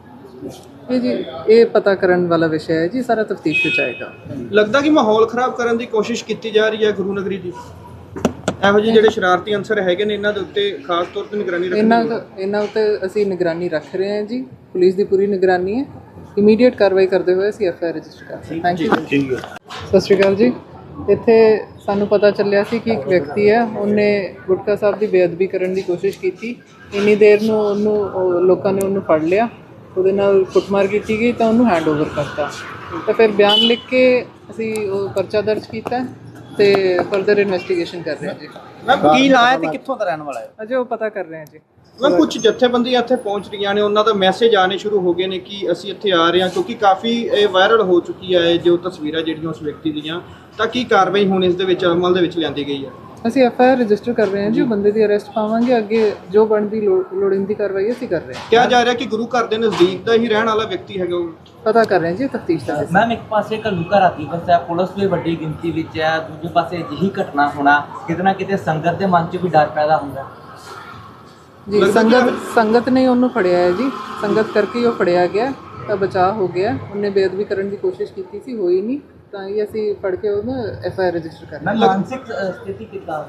S1: ਜੀ। ਇਹ ਪਤਾ ਕਰਨ ਵਾਲਾ ਵਿਸ਼ਾ ਹੈ ਜੀ, ਸਾਰਾ ਤਫਤੀਸ਼ ਵਿੱਚ ਆਏਗਾ।
S2: ਲੱਗਦਾ ਕਿ ਮਾਹੌਲ ਖਰਾਬ ਕਰਨ ਦੀ ਕੋਸ਼ਿਸ਼ ਕੀਤੀ ਜਾ ਰਹੀ ਹੈ ਗੁਰੂ ਨਗਰੀ ਦੀ। ਇਹੋ ਜਿਹੇ ਜਿਹੜੇ ਸ਼ਰਾਰਤੀ ਅੰਸਰ ਹੈਗੇ ਨੇ ਇਹਨਾਂ ਦੇ ਉੱਤੇ ਖਾਸ ਤੌਰ ਤੇ ਨਿਗਰਾਨੀ ਰੱਖਣੀ
S1: ਇਹਨਾਂ ਉੱਤੇ ਅਸੀਂ ਨਿਗਰਾਨੀ ਰੱਖ ਰਹੇ ਹਾਂ ਜੀ, ਪੁਲਿਸ ਦੀ ਪੂਰੀ ਨਿਗਰਾਨੀ ਹੈ। ਇਮੀਡੀਏਟ ਕਾਰਵਾਈ ਕਰਦੇ ਹੋਏ ਅਸੀਂ ਐਫਆਈਆਰ ਰਜਿਸਟਰ ਕਰ ਰਹੇ ਹਾਂ। Thank you. ਸਤਿ ਸ਼੍ਰੀ ਅਕਾਲ ਜੀ। ਇੱਥੇ ਸਾਨੂੰ ਪਤਾ ਚੱਲਿਆ ਸੀ ਕਿ ਇੱਕ ਵਿਅਕਤੀ ਹੈ, ਉਹਨੇ ਗੁਟਕਾ ਸਾਹਿਬ ਦੀ ਬੇਅਦਬੀ ਕਰਨ ਦੀ ਕੋਸ਼ਿਸ਼ ਕੀਤੀ। ਇੰਨੀ ਦੇਰ ਨੂੰ ਲੋਕਾਂ ਨੇ ਉਹਨੂੰ ਫੜ ਲਿਆ, ਉਹਦੇ ਨਾਲ ਕੁੱਟਮਾਰ ਕੀਤੀ ਗਈ ਤਾਂ ਉਹਨੂੰ ਹੈਂਡਓਵਰ ਕਰਤਾ। ਤਾਂ ਫਿਰ ਬਿਆਨ ਲਿਖ ਕੇ ਅਸੀਂ ਉਹ ਪਰਚਾ ਦਰਜ ਕੀਤਾ ਤੇ ਫਰਦਰ ਇਨਵੈਸਟੀਗੇਸ਼ਨ ਕਰ ਰਹੇ ਹਾਂ ਜੀ।
S2: ਕੀ ਨਾਂ ਹੈ ਤੇ ਕਿੱਥੋਂ ਦਾ ਰਹਿਣ ਵਾਲਾ ਹੈ?
S1: ਅਜੇ ਉਹ ਪਤਾ ਕਰ ਰਹੇ ਹਾਂ ਜੀ।
S2: ਮੈਂ ਕੁਝ ਜਥੇਬੰਦੀਆਂ ਇੱਥੇ ਪਹੁੰਚ ਰਹੀਆਂ ਨੇ, ਉਹਨਾਂ ਦਾ ਮੈਸੇਜ ਆਣੇ ਸ਼ੁਰੂ ਹੋ ਗਏ ਨੇ ਕਿ ਅਸੀਂ ਇੱਥੇ ਆ ਰਹੇ ਹਾਂ, ਕਿਉਂਕਿ ਕਾਫੀ ਇਹ ਵਾਇਰਲ ਹੋ ਚੁੱਕੀ ਹੈ ਜੋ ਤਸਵੀਰਾਂ ਜਿਹੜੀਆਂ ਉਸ ਵਿਅਕਤੀ ਦੀਆਂ। ਤਾਂ ਕੀ ਕਾਰਵਾਈ ਹੁਣ ਇਸ ਦੇ ਵਿੱਚ ਅਮਲ ਦੇ ਵਿੱਚ ਲਿਆਂਦੀ ਗਈ ਹੈ?
S1: ਅਸੀਂ ਐਫਆਈਆਰ ਰਜਿਸਟਰ ਕਰ ਰਹੇ ਹਾਂ ਜੀ, ਉਹ ਬੰਦੇ ਦੀ ਅਰੈਸਟ ਪਾਵਾਂਗੇ, ਅੱਗੇ ਜੋ ਬਣਦੀ ਲੋੜੀਂਦੀ ਕਾਰਵਾਈ ਅਸੀਂ ਕਰ ਰਹੇ ਹਾਂ।
S2: ਕਿਹਾ ਜਾ ਰਿਹਾ ਕਿ ਗੁਰੂ ਘਰ ਦੇ ਨਜ਼ਦੀਕ ਦਾ ਹੀ ਰਹਿਣ ਵਾਲਾ ਵਿਅਕਤੀ ਹੈਗਾ ਉਹ।
S1: ਪਤਾ ਕਰ ਰਹੇ ਹਾਂ ਜੀ, ਤਫਤੀਸ਼ ਦਾ ਹਿੱਸਾ।
S3: ਮੈਮ ਇੱਕ ਪਾਸੇ ਘੱਲੂਘਾਰਾ ਦਿਵਸ ਹੈ, ਪੁਲਿਸ ਵੀ ਵੱਡੀ ਗਿਣਤੀ ਵਿੱਚ ਹੈ, ਦੂਜੇ ਪਾਸੇ ਅਜਿਹੀ ਘਟਨਾ ਹੋਣਾ ਕਿਤੇ ਨਾ ਕਿਤੇ ਸੰਗਤ ਦੇ ਮਨ 'ਚ ਵੀ ਡਰ ਪੈਦਾ ਹੁੰਦਾ
S1: ਜੀ। ਸੰਗਤ ਨੇ ਉਹਨੂੰ ਫੜਿਆ ਹੈ ਜੀ, ਸੰਗਤ ਕਰਕੇ ਹੀ ਉਹ ਫੜਿਆ ਗਿਆ ਤਾਂ ਬਚਾਅ ਹੋ ਗਿਆ। ਉਹਨੇ ਬੇਅਦਬੀ ਕਰਨ ਦੀ ਕੋਸ਼ਿਸ਼ ਕੀਤੀ ਸੀ, ਹੋਈ ਨਹੀਂ, ਤਾਂ ਹੀ ਅਸੀਂ ਫੜ ਕੇ ਉਹਨੂੰ ਐਫਆਈਆਰ ਰਜਿਸਟਰ ਕਰ ਰਹੇ ਹਾਂ।
S3: ਮੈਂ ਮਾਨਸਿਕ ਸਥਿਤੀ ਕਿੱਦਾਂ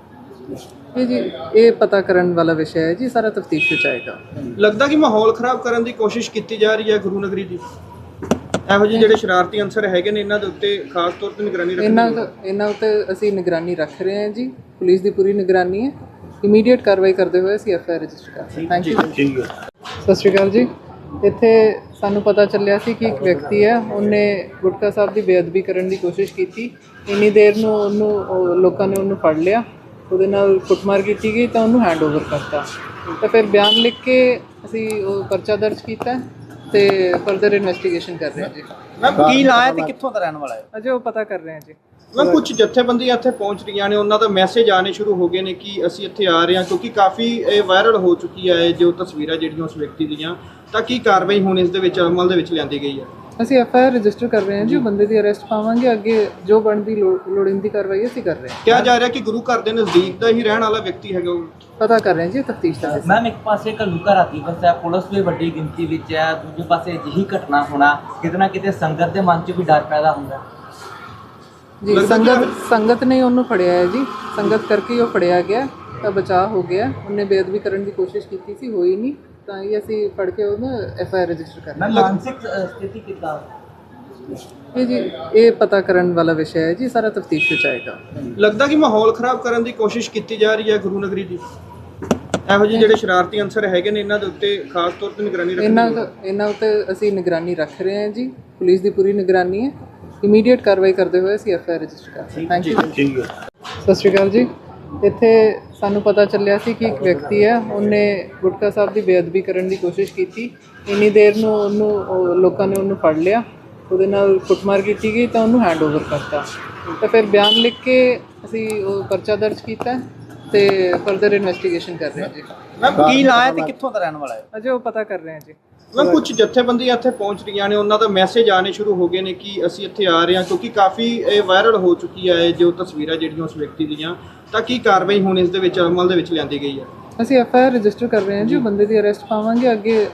S1: ਜੀ। ਇਹ ਪਤਾ ਕਰਨ ਵਾਲਾ ਵਿਸ਼ਾ ਹੈ ਜੀ, ਸਾਰਾ ਤਫਤੀਸ਼ ਵਿੱਚ ਆਏਗਾ।
S2: ਲੱਗਦਾ ਕਿ ਮਾਹੌਲ ਖਰਾਬ ਕਰਨ ਦੀ ਕੋਸ਼ਿਸ਼ ਕੀਤੀ ਜਾ ਰਹੀ ਹੈ ਗੁਰੂ ਨਗਰੀ ਦੀ। ਇਹੋ ਜਿਹੇ ਜਿਹੜੇ ਸ਼ਰਾਰਤੀ ਅੰਸਰ ਹੈਗੇ ਨੇ ਇਹਨਾਂ ਦੇ ਉੱਤੇ ਖਾਸ ਤੌਰ ਤੇ ਨਿਗਰਾਨੀ ਰੱਖਣੀ
S1: ਇਹਨਾਂ ਉੱਤੇ ਅਸੀਂ ਨਿਗਰਾਨੀ ਰੱਖ ਰਹੇ ਹਾਂ ਜੀ, ਪੁਲਿਸ ਦੀ ਪੂਰੀ ਨਿਗਰਾਨੀ ਹੈ। ਇਮੀਡੀਏਟ ਕਾਰਵਾਈ ਕਰਦੇ ਹੋਏ ਅਸੀਂ ਐਫਆਈਆਰ ਰਜਿਸਟਰ ਕਰ ਰਹੇ ਹਾਂ। Thank you. ਸਤਿ ਸ਼੍ਰੀ ਅਕਾਲ ਜੀ। ਇੱਥੇ ਸਾਨੂੰ ਪਤਾ ਚੱਲਿਆ ਸੀ ਕਿ ਇੱਕ ਵਿਅਕਤੀ ਹੈ, ਉਹਨੇ ਗੁਟਕਾ ਸਾਹਿਬ ਦੀ ਬੇਅਦਬੀ ਕਰਨ ਦੀ ਕੋਸ਼ਿਸ਼ ਕੀਤੀ। ਇੰਨੀ ਦੇਰ ਨੂੰ ਲੋਕਾਂ ਨੇ ਉਹਨੂੰ ਫੜ ਲਿਆ, ਉਹਦੇ ਨਾਲ ਕੁੱਟਮਾਰ ਕੀਤੀ ਗਈ ਤਾਂ ਉਹਨੂੰ ਹੈਂਡਓਵਰ ਕਰਤਾ। ਤਾਂ ਫਿਰ ਬਿਆਨ ਲਿਖ ਕੇ ਅਸੀਂ ਉਹ ਪਰਚਾ ਦਰਜ ਕੀਤਾ ਤੇ ਫਰਦਰ ਇਨਵੈਸਟੀਗੇਸ਼ਨ ਕਰ ਰਹੇ ਹਾਂ ਜੀ।
S2: ਕੀ ਨਾਂ ਹੈ ਤੇ ਕਿੱਥੋਂ ਦਾ ਰਹਿਣ ਵਾਲਾ ਹੈ?
S1: ਅਜੇ ਉਹ ਪਤਾ ਕਰ ਰਹੇ ਹਾਂ ਜੀ।
S2: ਮੈਂ ਕੁਝ ਜਥੇਬੰਦੀਆਂ ਇੱਥੇ ਪਹੁੰਚ ਰਹੀਆਂ ਨੇ, ਉਹਨਾਂ ਦਾ ਮੈਸੇਜ ਆਣੇ ਸ਼ੁਰੂ ਹੋ ਗਏ ਨੇ ਕਿ ਅਸੀਂ ਇੱਥੇ ਆ ਰਹੇ ਹਾਂ, ਕਿਉਂਕਿ ਕਾਫੀ ਇਹ ਵਾਇਰਲ ਹੋ ਚੁੱਕੀ ਹੈ ਜੋ ਤਸਵੀਰਾਂ ਜਿਹੜੀਆਂ ਉਸ ਵਿਅਕਤੀ ਦੀਆਂ। ਤਾਂ ਕੀ ਕਾਰਵਾਈ ਹੁਣ ਇਸ ਦੇ ਵਿੱਚ ਅਮਲ ਦੇ ਵਿੱਚ ਲਿਆਂਦੀ ਗਈ ਹੈ?
S1: ਅਸੀਂ ਐਫਆਈਆਰ ਰਜਿਸਟਰ ਕਰ ਰਹੇ ਹਾਂ ਜੀ, ਉਹ ਬੰਦੇ ਦੀ ਅਰੈਸਟ ਪਾਵਾਂਗੇ, ਅੱਗੇ ਜੋ ਬਣਦੀ ਲੋੜੀਂਦੀ ਕਾਰਵਾਈ ਅਸੀਂ ਕਰ ਰਹੇ ਹਾਂ।
S2: ਕਿਹਾ ਜਾ ਰਿਹਾ ਕਿ ਗੁਰੂ ਘਰ ਦੇ ਨਜ਼ਦੀਕ ਦਾ ਹੀ ਰਹਿਣ ਵਾਲਾ ਵਿਅਕਤੀ ਹੈਗਾ ਉਹ।
S1: ਪਤਾ ਕਰ ਰਹੇ ਹਾਂ ਜੀ, ਤਫਤੀਸ਼ ਦਾ ਹਿੱਸਾ।
S3: ਮੈਮ ਇੱਕ ਪਾਸੇ ਘੱਲੂਘਾਰਾ ਦਿਵਸ ਹੈ, ਪੁਲਿਸ ਵੀ ਵੱਡੀ ਗਿਣਤੀ ਵਿੱਚ ਹੈ, ਦੂਜੇ ਪਾਸੇ ਅਜਿਹੀ ਘਟਨਾ ਹੋਣਾ ਕਿਤੇ ਨਾ ਕਿਤੇ ਸੰਗਤ ਦੇ ਮਨ 'ਚ ਵੀ ਡਰ ਪੈਦਾ ਹੁੰਦਾ
S1: ਜੀ। ਸੰਗਤ ਨੇ ਉਹਨੂੰ ਫੜਿਆ ਹੈ ਜੀ, ਸੰਗਤ ਕਰਕੇ ਹੀ ਉਹ ਫੜਿਆ ਗਿਆ ਤਾਂ ਬਚਾਅ ਹੋ ਗਿਆ। ਉਹਨੇ ਬੇਅਦਬੀ ਕਰਨ ਦੀ ਕੋਸ਼ਿਸ਼ ਕੀਤੀ ਸੀ, ਹੋਈ ਨਹੀਂ, ਤਾਂ ਹੀ ਅਸੀਂ ਫੜ ਕੇ ਉਹਨੂੰ ਐਫਆਈਆਰ ਰਜਿਸਟਰ ਕਰ ਰਹੇ ਹਾਂ।
S3: ਮੈਂ ਮਾਨਸਿਕ ਸਥਿਤੀ ਕਿੱਦਾਂ
S1: ਜੀ। ਇਹ ਪਤਾ ਕਰਨ ਵਾਲਾ ਵਿਸ਼ਾ ਹੈ ਜੀ, ਸਾਰਾ ਤਫਤੀਸ਼ ਵਿੱਚ ਆਏਗਾ।
S2: ਲੱਗਦਾ ਕਿ ਮਾਹੌਲ ਖਰਾਬ ਕਰਨ ਦੀ ਕੋਸ਼ਿਸ਼ ਕੀਤੀ ਜਾ ਰਹੀ ਹੈ ਗੁਰੂ ਨਗਰੀ ਦੀ। ਇਹੋ ਜਿਹੇ ਜਿਹੜੇ ਸ਼ਰਾਰਤੀ ਅੰਸਰ ਹੈਗੇ ਨੇ ਇਹਨਾਂ ਦੇ ਉੱਤੇ ਖਾਸ ਤੌਰ ਤੇ ਨਿਗਰਾਨੀ ਰੱਖਣੀ
S1: ਇਹਨਾਂ ਉੱਤੇ ਅਸੀਂ ਨਿਗਰਾਨੀ ਰੱਖ ਰਹੇ ਹਾਂ ਜੀ, ਪੁਲਿਸ ਦੀ ਪੂਰੀ ਨਿਗਰਾਨੀ ਹੈ। ਇਮੀਡੀਏਟ ਕਾਰਵਾਈ ਕਰਦੇ ਹੋਏ ਅਸੀਂ ਐਫ ਆਈ ਆਰ ਰਜਿਸਟਰ ਕਰ ਰਹੇ ਥੈਂਕ ਯੂ
S2: ਠੀਕ ਹੈ
S1: ਸਤਿ ਸ਼੍ਰੀ ਅਕਾਲ ਜੀ ਇੱਥੇ ਸਾਨੂੰ ਪਤਾ ਚੱਲਿਆ ਸੀ ਕਿ ਇੱਕ ਵਿਅਕਤੀ ਹੈ ਉਹਨੇ ਗੁਟਕਾ ਸਾਹਿਬ ਦੀ ਬੇਅਦਬੀ ਕਰਨ ਦੀ ਕੋਸ਼ਿਸ਼ ਕੀਤੀ ਇੰਨੀ ਦੇਰ ਨੂੰ ਲੋਕਾਂ ਨੇ ਉਹਨੂੰ ਫੜ ਲਿਆ ਉਹਦੇ ਨਾਲ ਕੁੱਟਮਾਰ ਕੀਤੀ ਗਈ ਤਾਂ ਉਹਨੂੰ ਹੈਂਡਓਵਰ ਕਰਤਾ ਤਾਂ ਫਿਰ ਬਿਆਨ ਲਿਖ ਕੇ ਅਸੀਂ ਉਹ ਪਰਚਾ ਦਰਜ ਕੀਤਾ ਤੇ ਫਰਦਰ ਇਨਵੈਸਟੀਗੇਸ਼ਨ ਕਰ ਰਹੇ ਹਾਂ ਜੀ
S2: ਮੈਮ ਕੀ ਨਾਂ ਹੈ ਤੇ ਕਿੱਥੋਂ ਦਾ ਰਹਿਣ ਵਾਲਾ ਹੈ
S1: ਅਜੇ ਉਹ ਪਤਾ ਕਰ ਰਹੇ ਹਾਂ ਜੀ
S2: ਮੈਂ ਕੁਝ ਜਥੇਬੰਦੀਆਂ ਇੱਥੇ ਪਹੁੰਚ ਰਹੀਆਂ ਨੇ ਉਹਨਾਂ ਦਾ ਮੈਸੇਜ ਆਣੇ ਸ਼ੁਰੂ ਹੋ ਗਏ ਨੇ ਕਿ ਅਸੀਂ ਇੱਥੇ ਆ ਰਹੇ ਹਾਂ ਕਿਉਂਕਿ ਕਾਫੀ ਇਹ ਵਾਇਰਲ ਹੋ ਚੁੱਕੀ ਹੈ ਜੋ ਤਸਵੀਰਾਂ ਜਿਹੜੀਆਂ ਉਸ ਵਿਅਕਤੀ ਦੀਆਂ ਤਾਂ ਕੀ ਕਾਰਵਾਈ ਹੁਣ ਇਸ ਦੇ ਵਿੱਚ ਅਮਲ ਦੇ ਵਿੱਚ ਲਿਆਂਦੀ ਗਈ ਹੈ
S1: ਅਸੀਂ ਐਫ ਆਈ ਆਰ ਰਜਿਸਟਰ ਕਰ ਰਹੇ ਹਾਂ ਜੀ ਉਹ ਬੰਦੇ ਦੀ ਅਰੈਸਟ ਪਾਵਾਂਗੇ ਅੱਗੇ